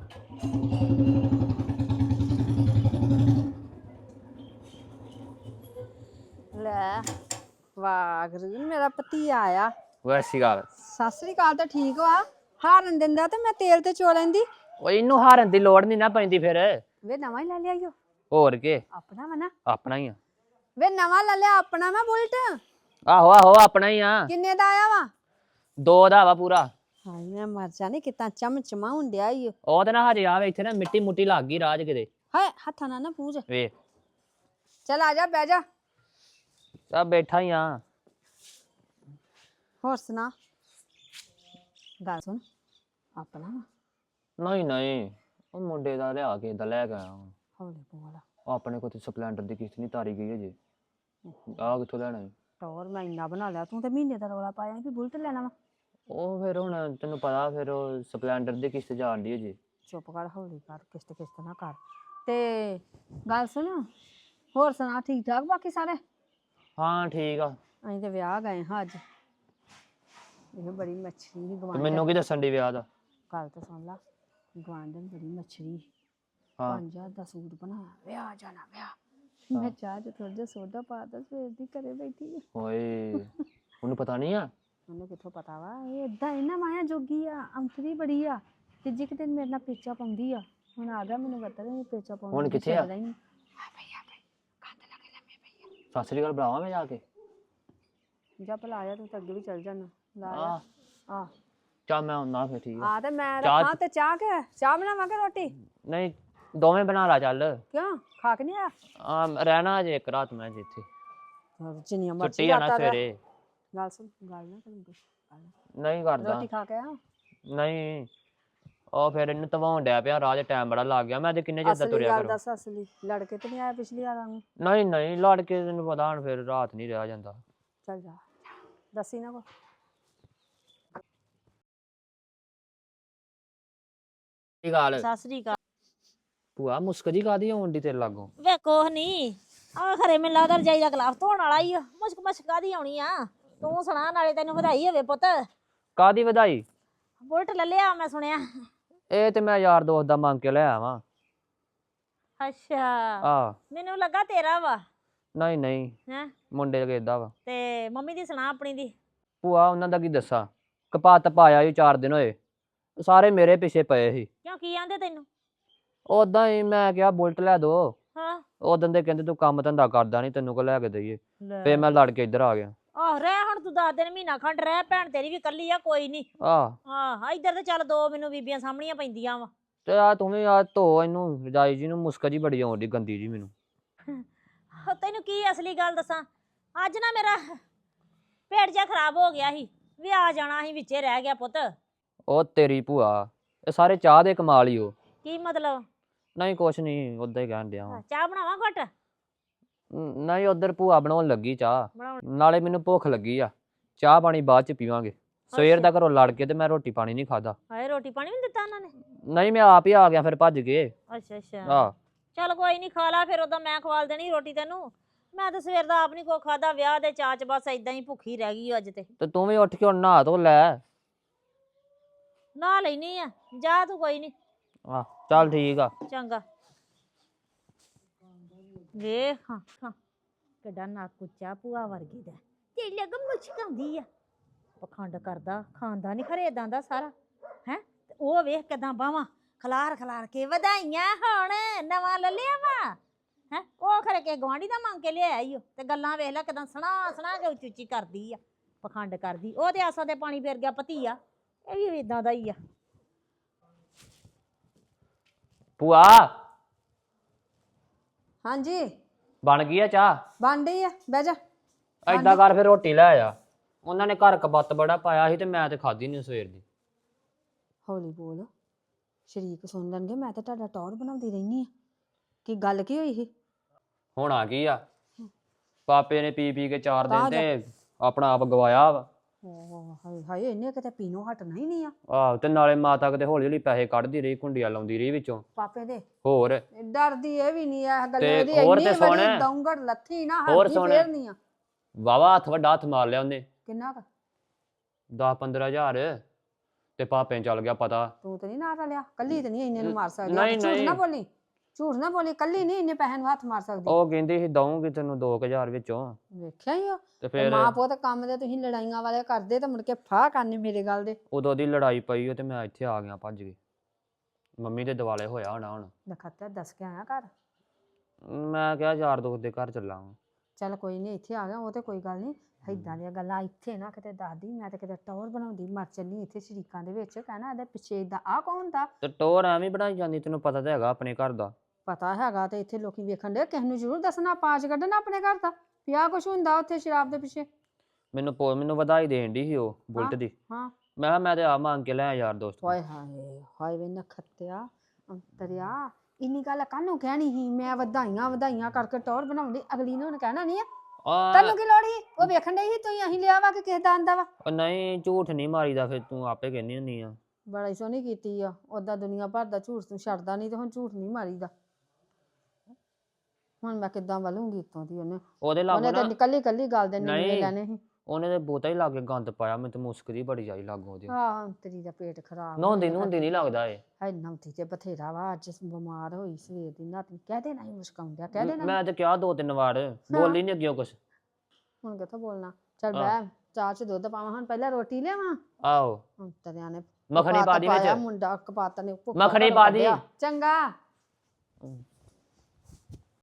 ਲੈ ਵਾਗਰੂ ਮੇਰਾ ਪਤੀ ਆਇਆ।
ਵੈਸੀ ਗੱਲ
ਸਤਿ ਸ੍ਰੀ ਅਕਾਲ। ਤਾਂ ਠੀਕ ਵਾ, ਹਾਰਨ ਦਿੰਦਾ ਤੇ ਮੈਂ ਤੇਲ ਤੇ ਚੋ ਲੈਂਦੀ।
ਉਹ ਇਹਨੂੰ ਹਾਰਨ ਦੀ ਲੋੜ ਨਹੀਂ ਨਾ ਪੈਂਦੀ ਫਿਰ।
ਵੇ ਨਵਾਂ ਹੀ ਲੈ ਲਿਆ ਈਓ।
ਹੋਰ ਕੇ
ਆਪਣਾ ਵਾ ਨਾ।
ਆਪਣਾ ਹੀ ਆ।
ਵੇ ਨਵਾਂ ਲੈ ਲਿਆ ਆਪਣਾ ਵਾ ਬੁਲਟ।
ਆਹੋ ਆਹੋ ਆਪਣਾ ਹੀ ਆ।
ਕਿੰਨੇ ਦਾ ਆਇਆ ਵਾ?
ਦੋ ਦਾ ਵਾ ਪੂਰਾ।
ਹਾਏ ਮੈਂ ਮਰ ਜਾਣੀ, ਕਿਤਾ ਚਮਚਮਾ ਹੁੰਦਿਆ ਈ।
ਉਹ ਤੇ ਨਾ ਹਜੇ ਆਵੇ ਇੱਥੇ ਨਾ ਮਿੱਟੀ ਮੁੱਟੀ ਲੱਗ ਗਈ ਰਾਜ ਕਿਤੇ।
ਹਾਏ ਹੱਥਾਂ ਨਾਲ ਨਾ ਪੂਜ।
ਵੇਖ
ਚੱਲ ਆ ਜਾ, ਬਹਿ ਜਾ।
ਤਾਂ ਬੈਠਾ ਹੀ ਆ।
ਹੋਰ ਸੁਣਾ। ਗੱਲ ਸੁਣ, ਆਪਣਾ ਵਾ।
ਨਹੀਂ ਨਹੀਂ ਉਹ ਮੁੰਡੇ ਦਾ ਲਿਆ ਕੇ ਦਾ ਲੈ ਕੇ ਆਇਆ ਵਾਂ।
ਹੌਲੀ ਬੋਲ।
ਉਹ ਆਪਣੇ ਕੋਲ ਤੇ ਸਪਲੈਂਡਰ ਦੀ ਕਿਸ਼ਤ ਨਹੀਂ ਤਾਰੀ ਗਈ ਅਜੇ। ਆਹ ਕਿੱਥੋਂ ਲੈਣਾ ਈ?
ਟੌਰ ਮੈਂ ਇੰਨਾ ਬਣਾ ਲਿਆ, ਤੂੰ ਤੇ ਮਹੀਨੇ ਦਾ ਰੌਲਾ ਪਾਇਆ ਕਿ ਬੁਲਟ ਲੈਣਾ ਵਾ।
ਉਹ ਫਿਰ ਹੁਣ ਤੈਨੂੰ ਪਤਾ ਫਿਰ ਉਹ ਸਪਲੈਂਡਰ ਦੀ ਕਿਸ਼ਤ ਜਾਣ ਦੀ ਅਜੇ।
ਚੁੱਪ ਕਰ, ਹੌਲੀ ਕਰ, ਕਿਸ਼ਤ ਕਿਸ਼ਤ ਨਾ ਕਰ। ਤੇ ਗੱਲ ਸੁਣ, ਹੋਰ ਸੁਣਾ, ਠੀਕ ਠਾਕ ਬਾਕੀ ਸਾਰੇ?
ਹਾਂ ਠੀਕ ਆ।
ਅਸੀਂ ਤੇ ਵਿਆਹ ਗਏ ਹਾਂ ਅੱਜ। ਇਹ ਬੜੀ ਮੱਛਰੀ ਸੀ
ਤੇ
ਗਵਾਂਢ।
ਮੈਨੂੰ ਕੀ ਦੱਸਣ ਦੀ ਵਿਆਹ ਦਾ?
ਗੱਲ ਤਾਂ ਸੁਣ ਲਾ, ਗਵਾਂਢਣ ਬੜੀ ਮੱਛਰੀ।
ਹਾਂ
ਪੰਜ ਹਜ਼ਾਰ ਦਾ ਸੂਟ ਬਣਾਇਆ, ਵਿਆਹ ਜਾਣਾ ਵਿਆਹ। ਮੈਂ ਚਾਹ ਚ ਥੋੜਾ ਜਿਹਾ ਸੋਡਾ ਪਾਤਾ, ਸਵੇਰ ਦੀ ਘਰੇ ਬੈਠੀ ਆ।
ਓਏ ਉਹਨੂੰ ਪਤਾ ਨਹੀਂ ਆ?
ਉਹਨੂੰ ਕਿੱਥੋਂ ਪਤਾ ਵਾ, ਇਹ ਏਦਾਂ ਇਹਨਾਂ ਮਾਇਆ ਜੋਗੀ ਆ, ਅੰਤਰੀ ਬੜੀ ਆ। ਤੇ ਜੇ ਕਿਤੇ ਮੇਰੇ ਨਾਲ ਪੇਚਾ ਪਾਉਂਦੀ ਆ, ਹੁਣ ਆ ਗਿਆ ਮੈਨੂੰ ਪਤਾ ਨਹੀਂ ਪੇਚਾ ਪਾਉਂਦੀ।
ਹੁਣ ਕਿੱਥੇ ਆ?
ਆ ਪਈ ਆ ਪਈ, ਕੰਧ ਲੱਗੇ ਲੰਮੇ ਪਈ ਆ।
ਸਤਿ ਸ੍ਰੀ ਅਕਾਲ ਬੁਲਾਵਾਂ ਮੈਂ ਜਾ ਕੇ?
ਜਾ ਭਲਾ ਆਇਆ, ਤੂੰ ਤਾਂ ਅੱਗੇ ਵੀ ਚੱਲ ਜਾਣਾ। ਲਾ
ਆ
ਆ
ਚੱਲ ਮੈਂ ਆਉਣਾ ਫਿਰ। ਠੀਕ ਆ।
ਆ ਤੇ ਮੈਂ
ਚਾਹ-
ਰੱਖਾਂ ਤੇ ਚਾਹ ਕੇ ਚਾਹ ਬਣਾਵਾਂਗੇ ਰੋਟੀ?
ਨਹੀਂ ਦੋਵੇਂ ਬਣਾ ਲਾ ਚੱਲ।
ਕਿਉਂ ਖਾ ਕੇ ਨਹੀਂ ਆਇਆ?
ਆ ਰਹਿਣਾ ਅਜੇ ਇੱਕ ਰਾਤ ਮੈਂ ਜਿੱਥੇ
ਜਿੰਨੀਆਂ
ਛੁੱਟੀ
ਮਰਜ਼ੀ
ਆ ਨਾ
ਰਾਤਾਂ ਰਹਿ।
ਸਵੇਰੇ।
ਗੱਲ ਸੁਣ, ਗੱਲ ਨਾ ਕਰੂੰਗੀ।
ਨਹੀਂ ਕਰਦਾ।
ਰੋਟੀ ਖਾ ਕੇ ਆ।
ਨਹੀਂ ਉਹ ਫਿਰ ਇਹਨੂੰ ਧਵਾਉਣ ਡਿਆ ਪਿਆ, ਰਾਹ 'ਚ ਟਾਈਮ ਬੜਾ ਲੱਗ ਗਿਆ। ਮੈਂ ਤੇ ਕਿੰਨੇ ਚਿਰ ਦਾ
ਅਸਲੀ
ਤੁਰਿਆ
ਗੱਲ
ਕਰੋ।
ਦੱਸ, ਅਸਲੀ ਲੜ ਕੇ ਤੇ ਨਹੀਂ ਆਇਆ ਪਿਛਲੀ ਵਾਰਾਂ ਨੂੰ?
ਨਹੀਂ ਨਹੀਂ ਲੜ ਕੇ ਤੈਨੂੰ ਪਤਾ ਹੁਣ ਫਿਰ ਰਾਤ ਨਹੀਂ ਰਿਹਾ ਜਾਂਦਾ।
ਚੱਲ ਜਾ, ਦੱਸੀ ਨਾ ਕੋ।
ਕੀ ਗੱਲ
ਸਤਿ ਸ੍ਰੀ ਅਕਾਲ।
ਭੂਆ ਮੁਸਕ ਜੀ ਕਾਦੀ ਆਉਣ ਦੀ ਤੇਰੇ ਲਾਗੋਂ?
ਵੇ ਕੁਛ ਨਹੀਂ, ਆ ਖਰੇ ਮੈਨੂੰ ਲੱਗਦਾ ਰਜਾਈ ਦਾ ਗਲਾਫ ਧੋਣ ਵਾਲਾ ਹੀ ਆ। ਮੁਸ਼ਕ ਮਸ਼ਕ ਕਾਹਦੀ ਆਉਣੀ ਆ। ਤੂੰ ਸੁਣਾ, ਨਾਲੇ ਤੈਨੂੰ ਵਧਾਈ ਹੋਵੇ ਪੁੱਤ।
ਕਾਦੀ ਵਧਾਈ?
ਬੁਲਟ ਲੈ ਲਿਆ ਮੈਂ ਸੁਣਿਆ।
ਇਹ ਤੇ ਮੈਂ ਯਾਰ ਦੋਸਤ ਦਾ ਮੰਗ ਕੇ ਲੈ ਆਵਾਂ।
ਅੱਛਾ
ਆ
ਮੈਨੂੰ ਲੱਗਾ ਤੇਰਾ ਵਾ।
ਨਹੀਂ ਨਹੀਂ
ਹੈਂ
ਮੁੰਡੇ ਲਗੇ ਦਾ ਵਾ।
ਤੇ ਮੰਮੀ ਦੀ ਸੁਣਾ ਆਪਣੀ ਦੀ।
ਭੂਆ ਉਹਨਾਂ ਦਾ ਕੀ ਦੱਸਾਂ, ਕਪਾਤ ਪਾਇਆ ਹੀ ਚਾਰ ਦਿਨ ਹੋਏ, ਸਾਰੇ ਮੇਰੇ ਪਿੱਛੇ ਪਏ ਸੀ।
ਕਿਉਂ ਕੀ ਆਂਦੇ ਤੈਨੂੰ?
ਉਦਾਂ ਹੀ ਮੈਂ ਕਿਹਾ ਬੁਲਟ ਲੈ ਦੋ।
ਹਾਂ
ਉਦੋਂ ਦੇ ਕਹਿੰਦੇ ਤੂੰ ਕੰਮ ਧੰਦਾ ਕਰਦਾ ਨਹੀਂ, ਤੈਨੂੰ ਕੋ ਲੈ ਕੇ ਦਈਏ।
ਲੈ।
ਫੇਰ ਮੈਂ ਲੜ ਕੇ ਇੱਧਰ ਆ ਗਿਆ।
ਆਹ ਰਹਿ ਹੁਣ ਤੂੰ ਦਸ ਦਿਨ ਮਹੀਨਾ ਖੰਡ ਰਹਿ, ਭੈਣ ਤੇਰੀ ਵੀ ਕੱਲੀ ਆ, ਕੋਈ ਨਹੀਂ।
ਆਹ
ਹਾਂ ਇੱਧਰ ਤੇ ਚੱਲ ਦੋ ਮੈਨੂੰ ਬੀਬੀਆਂ ਸਾਹਮਣੀਆਂ ਪੈਂਦੀਆਂ ਵਾ।
ਤੇ ਆ ਤੂੰ ਵੀ ਆ ਧੋ ਇਹਨੂੰ, ਰਜਾਈ ਜੀ ਨੂੰ ਮੁਸਕ ਜੀ ਬੜੀ ਆਉਂਦੀ ਗੰਦੀ ਜੀ ਮੈਨੂੰ।
ਤੈਨੂੰ ਕੀ ਅਸਲੀ ਗੱਲ ਦੱਸਾਂ, ਅੱਜ ਨਾ ਮੇਰਾ ਪੇਟ ਜਿਹਾ ਖਰਾਬ ਹੋ ਗਿਆ ਸੀ, ਵੀ ਆ ਜਾਣਾ ਸੀ ਵਿੱਚੇ ਰਹਿ ਗਿਆ ਪੁੱਤ।
ਉਹ ਤੇਰੀ ਭੂਆ ਇਹ ਸਾਰੇ ਚਾਹ ਦੇ ਕਮਾਲ ਹੀ ਉਹ।
ਕੀ ਮਤਲਬ?
ਨਹੀਂ ਕੁਛ ਨਹੀਂ, ਉਦਾਂ ਹੀ ਕਹਿਣ ਡਿਆ ਵਾਂ।
ਚਾਹ ਬਣਾਵਾਂ ਘੁੱਟ?
ਨ- ਨਹੀਂ ਉਧਰ ਭੂਆ ਬਣਾਉਣ ਲੱਗੀ ਚਾਹ,
ਬਣਾਉਣ
ਨਾਲੇ ਮੈਨੂੰ ਭੁੱਖ ਲੱਗੀ ਆ। ਚਾਹ ਪਾਣੀ ਬਾਅਦ ਚ ਪੀਵਾਂਗੇ। ਸਵੇਰ ਦਾ ਘਰੋਂ ਲੜ ਕੇ ਤੇ ਮੈਂ ਰੋਟੀ ਪਾਣੀ ਨਹੀਂ ਖਾਦਾ।
ਹਾਏ ਰੋਟੀ ਪਾਣੀ ਵੀ ਨੀ ਦਿੱਤਾ ਉਹਨਾਂ ਨੇ?
ਨਹੀਂ ਮੈਂ ਆਪ ਹੀ ਆ ਗਿਆ ਫਿਰ ਭੱਜ ਕੇ।
ਅੱਛਾ ਅੱਛਾ
ਆਹ
ਚੱਲ ਕੋਈ ਨਹੀਂ, ਖਾ ਲਾ ਫਿਰ, ਉਦੋਂ ਮੈਂ ਖਵਾਲ ਦੇਣੀ ਰੋਟੀ ਤੈਨੂੰ। ਮੈਂ ਤਾਂ ਸਵੇਰ ਦਾ ਆਪ ਨਹੀਂ ਕੋ ਖਾਦਾ, ਵਿਆਹ ਦੇ ਚਾਅ ਚ ਬਸ ਏਦਾਂ ਹੀ ਭੁੱਖੀ ਰਹਿ ਗਈ ਅੱਜ ਤੇ।
ਤੇ ਤੂੰ ਵੀ ਉੱਠ ਕੇ ਹੁਣ ਨਹਾ ਧੋ ਲੈ।
ਨਾ ਲੈਣੀ ਆ, ਜਾ ਤੂੰ, ਕੋਈ ਨਹੀਂ।
ਆਹ ਚੱਲ ਠੀਕ ਆ।
ਚੰਗਾ। ਵੇਖ ਹਾਂ ਹਾਂ ਕਿੱਡਾ ਨੱਕ ਉੱਚਾ ਭੂਆ ਵਰਗੀ ਦਾ, ਤੇ ਲੱਗ ਮੁਚਕਾਉਂਦੀ ਆ, ਪਖੰਡ ਕਰਦਾ, ਖਾਂਦਾ ਨਹੀਂ ਖਰੇ ਏਦਾਂ ਦਾ ਸਾਰਾ ਹੈ। ਉਹ ਵੇਖ ਕਿਦਾਂ ਬਾਵਾਂ ਖਲਾਰ ਖਲਾਰ ਕੇ ਵਧਾਈਆਂ ਹੋਣ, ਨਵਾਂ ਲੈ ਲਿਆ ਵਾ ਹੈ। ਉਹ ਖਰੇ ਕੇ ਗਵਾਂਢੀ ਦਾ ਮੰਗ ਕੇ ਲਿਆਇਆ ਈ ਓ, ਤੇ ਗੱਲਾਂ ਵੇਖ ਲੈ ਕਿਦਾਂ ਸਣਾ ਸਣਾ ਕੇ ਉੱਚੀ ਉੱਚੀ ਕਰਦੀ ਆ, ਪਖੰਡ ਕਰਦੀ। ਉਹ ਤੇ ਆਸਾਂ ਦੇ ਪਾਣੀ ਫੇਰ ਗਿਆ ਭਤੀਆ, ਇਹ ਵੀ ਇਦਾਂ ਦਾ ਹੀ ਆ।
ਭੂਆ
ਹਾਂਜੀ
ਬਣ ਗਈ ਆ ਚਾਹ?
ਬਣ ਡਈ ਆ, ਬਹਿ ਜਾ।
ਏਦਾਂ ਕਰ ਫਿਰ ਰੋਟੀ ਲੈ ਆ। ਉਹਨਾਂ ਨੇ ਘਰ ਕਬੱਤ ਬੜਾ ਪਾਇਆ ਸੀ ਤੇ ਮੈਂ ਤੇ ਖਾਧੀ ਨਹੀਂ ਸਵੇਰ ਦੀ।
ਹੌਲੀ ਬੋਲ, ਸ਼ਰੀਕ ਸੁਣ ਲੈਣਗੇ। ਮੈਂ ਤਾਂ ਤੁਹਾਡਾ ਟੌਰ ਬਣਾਉਂਦੀ ਰਹਿਨੀ ਆ। ਕੀ ਗੱਲ ਕੀ ਹੋਈ ਸੀ?
ਹੋਣਾ ਕੀ ਆ, ਪਾਪੇ ਨੇ ਪੀ ਪੀ ਕੇ ਚਾਰ ਦਿਨ
ਤਾਂ
ਤੇ ਆਪਣਾ ਆਪ ਗਵਾਇਆ ਵਾ।
ਓਹ ਹਾਏ ਹਾਏ, ਇਹਨੇ ਕਿਤੇ ਪੀਣੋਂ ਹਟਣਾ ਹੀ ਨਹੀਂ ਆ।
ਆਹ ਤੇ ਨਾਲੇ ਮਾਤਾ ਕਿਤੇ ਹੌਲੀ ਹੌਲੀ ਪੈਸੇ ਕੱਢਦੀ ਰਹੀ, ਕੁੰਡੀਆਂ ਲਾਉਂਦੀ ਰਹੀ ਵਿੱਚੋਂ।
ਪਾਪੇ ਦੇ
ਹੋਰ
ਡਰਦੀ ਇਹ ਵੀ ਨਹੀਂ ਆ ਗੱਲੇ
ਤੇ
ਦੀ,
ਹੋਰ
ਇੰਨੀ
ਤੇ ਸੁਣ।
ਬੜੀ ਦੌਂਗੜ ਲੱਥੀ ਨਾ,
ਹੋਰ
ਹੱਥੀ
ਸੁਣ।
ਫੇਰ ਨਹੀਂ ਆ।
ਵਾਵਾ ਹੱਥ ਵੱਡਾ ਹੱਥ ਮਾਰ ਲਿਆ ਉਹਨੇ,
ਕਿੰਨਾ ਕੁ?
ਦਸ ਪੰਦਰਾਂ ਹਜ਼ਾਰ। ਤੇ ਪਾਪੇ ਨੂੰ ਚੱਲ ਗਿਆ ਪਤਾ।
ਤੂੰ ਤੇ ਨਹੀਂ ਨਾ ਰਲਿਆ, ਕੱਲੀ ਤੇ ਨਹੀਂ ਇੰਨੇ ਨੂੰ ਮਾਰ ਸਕਦੀ।
ਨਹੀਂ,
ਝੂਠ ਨਾ
ਨਹੀਂ।
ਬੋਲੀ, ਝੂਠ ਨਾ ਬੋਲੀ, ਕੱਲੀ ਨਹੀਂ ਇੰਨੇ ਪੈਸੇ ਨੂੰ ਹੱਥ ਮਾਰ ਸਕਦੀ।
ਉਹ ਕਹਿੰਦੀ ਸੀ ਦਊਂਗੀ ਤੈਨੂੰ ਦੋ ਕੁ ਹਜ਼ਾਰ ਵਿੱਚੋਂ।
ਵੇਖਿਆ ਹੀ ਉਹ
ਤੇ ਫਿਰ
ਮਾਂ ਪੁੱਤ ਕੰਮ ਦੇ ਤੁਸੀਂ ਲੜਾਈਆਂ ਵਾਲੇ ਕਰਦੇ ਤੇ ਮੁੜ ਕੇ ਫਾਹ ਕਰਨੇ ਮੇਰੇ ਗੱਲ ਦੇ।
ਉਦੋਂ ਦੀ ਲੜਾਈ ਪਈ ਉਹ ਤੇ ਮੈਂ ਇੱਥੇ ਆ ਗਿਆ ਭੱਜ ਕੇ। ਮੰਮੀ ਦੇ ਦਿਵਾਲੇ ਹੋਇਆ ਹੋਣਾ ਹੁਣ।
ਨਖੱਤਾ ਦੱਸ ਕੇ ਆਇਆ ਘਰ।
ਮੈਂ ਕਿਹਾ ਯਾਰ ਦੋਸਤ ਦੇ ਘਰ ਚੱਲਾਂ ਵਾਂ।
ਚੱਲ ਕੋਈ ਨਹੀਂ, ਇੱਥੇ ਆ ਗਿਆ ਉਹ ਤੇ ਕੋਈ ਗੱਲ ਨਹੀਂ। ਏਦਾਂ ਦੀਆਂ ਗੱਲਾਂ ਇੱਥੇ ਨਾ ਕਿਤੇ ਦੱਸਦੀ, ਮੈਂ ਤੇ ਕਿਤੇ ਟੌਰ ਬਣਾਉਂਦੀ ਮਰ ਚੱਲੀ ਇੱਥੇ ਸ਼ਰੀਕਾਂ ਦੇ ਵਿੱਚ। ਕਹਿਣਾ ਇਹਦੇ ਪਿੱਛੇ ਏਦਾਂ ਆ ਕੌਣ ਦਾ?
ਤੇ ਟੋਰ ਐਵੇਂ ਬਣਾਈ ਜਾਂਦੀ, ਤੈਨੂੰ ਪਤਾ ਤਾਂ ਹੈਗਾ ਆਪਣੇ ਘਰ ਦਾ।
ਪਤਾ ਹੈਗਾ ਤੇ ਇੱਥੇ ਲੋਕੀ ਵੇਖਣ ਦੇ, ਕਿਸੇ ਨੂੰ ਜ਼ਰੂਰ ਦੱਸਣਾ, ਪਾਜ ਕੱਢਣਾ ਆਪਣੇ ਘਰ ਦਾ ਵੀ ਆਹ ਕੁਛ ਹੁੰਦਾ ਉੱਥੇ ਸ਼ਰਾਬ ਦੇ ਪਿੱਛੇ।
ਮੈਨੂੰ ਪੋ ਮੈਨੂੰ ਵਧਾਈ ਦੇਣ ਦੀ ਸੀ ਉਹ ਬੁਲਟ ਦੀ।
ਹਾਂ
ਮੈਂ ਕਿਹਾ ਮੈਂ ਤੇ ਆ ਮੰਗ ਕੇ ਲਿਆ ਯਾਰ ਦੋਸਤ ਤੋਂ।
ਹਾਏ ਹਾਏ ਹਾਏ ਵੇ ਨਖੱਤਿਆ ਅੰਤਰਿਆ, ਇੰਨੀ ਗੱਲ ਕਾਹਨੂੰ ਕਹਿਣੀ ਸੀ? ਮੈਂ ਵਧਾਈਆਂ ਵਧਾਈਆਂ ਕਰਕੇ ਟੌਰ ਬਣਾਉਂਦੀ, ਅਗਲੀ ਨੇ ਉਹਨੇ ਕਹਿਣਾ ਨਹੀਂ ਆ।
ਆ
ਤੈਨੂੰ ਕੀ ਲੋੜ ਸੀ? ਉਹ ਵੇਖਣ ਡਈ ਸੀ ਤੁਸੀਂ ਅਸੀਂ ਲਿਆ ਵਾ ਕਿ ਕਿਸੇ ਦਾ ਆਂਦਾ ਵਾ।
ਉਹ ਨਹੀਂ ਝੂਠ ਨਹੀਂ ਮਾਰੀਦਾ, ਫਿਰ ਤੂੰ ਆਪੇ ਕਹਿੰਦੀ ਹੁੰਦੀ ਆ।
ਬੜਾ ਹੀ ਸੋਹਣੀ ਕੀਤੀ ਆ। ਓਦਾਂ ਦੁਨੀਆ ਭਰ ਦਾ ਝੂਠ ਤੂੰ ਛੱਡਦਾ ਨਹੀਂ, ਤੇ ਹੁਣ ਝੂਠ ਨਹੀਂ ਮਾਰੀਦਾ। ਹੁਣ ਮੈਂ ਕਿੱਦਾਂ ਵਲੂੰਗੀ ਇੱਥੋਂ ਦੀ? ਉਹਨੇ
ਉਹਦੇ ਲਾਗੋਂ
ਉਹਨੇ
ਨਾ
ਤਾਂ ਕੱਲੀ ਕੱਲੀ ਗੱਲ ਦੇ ਨਿੰਮੇ
ਨਹੀਂ।
ਲੈਣੇ ਸੀ।
ਉਹਨੇ ਤੇ ਬਹੁਤਾ ਹੀ ਲਾਗੇ ਗੰਦ ਪਾਇਆ, ਮੈਨੂੰ ਤੇ ਮੁਸਕਦੀ ਬੜੀ ਜਾਈ ਲਾਗੋਂ ਉਹਦੇ।
ਹਾਂ ਅੰਤਰੀ ਦਾ ਪੇਟ ਖਰਾਬ
ਨਹਾਉਂਦੀ ਨਹਾਉਂਦੀ ਨਹੀਂ ਲੱਗਦਾ ਏ।
ਹੈ। ਨੌਂਤੀ ਤੇ ਬਥੇਰਾ ਵਾ, ਅੱਜ ਬਿਮਾਰ ਹੋਈ ਸਵੇਰ ਦੀ ਨਾ। ਤੈਨੂੰ ਕਹਿ ਦੇਣਾ ਸੀ ਮੁਸਕਾਉਂਦਿਆ, ਕਹਿ ਦੇਣਾ।
ਮੈਂ ਤੇ ਕਿਹਾ ਦੋ ਤਿੰਨ ਵਾਰ, ਬੋਲੀ ਨਹੀਂ ਅੱਗੇ ਕੁਛ।
ਹੁਣ ਕਿੱਥੋਂ ਬੋਲਣਾ? ਚੱਲ
ਆਹ।
ਬਹਿ, ਚਾਹ ਚ ਦੁੱਧ ਪਾਵਾਂ, ਹੁਣ ਪਹਿਲਾਂ ਰੋਟੀ ਲਿਆਵਾਂ।
ਆਹੋ
ਅੰਤਰਿਆਂ ਨੇ
ਮੱਖਣੀ
ਕਪਾਤ
ਪਾ ਦੀ
ਪਾਇਆ,
ਵਿੱਚ।
ਮੁੰਡਾ ਕਪਾਤ ਨੇ ਭੁੱਖਾ
ਮੱਖਣੀ
ਘਰੋਂ
ਪਾ ਦੀ।
ਕੱਢਿਆ। ਚੰਗਾ।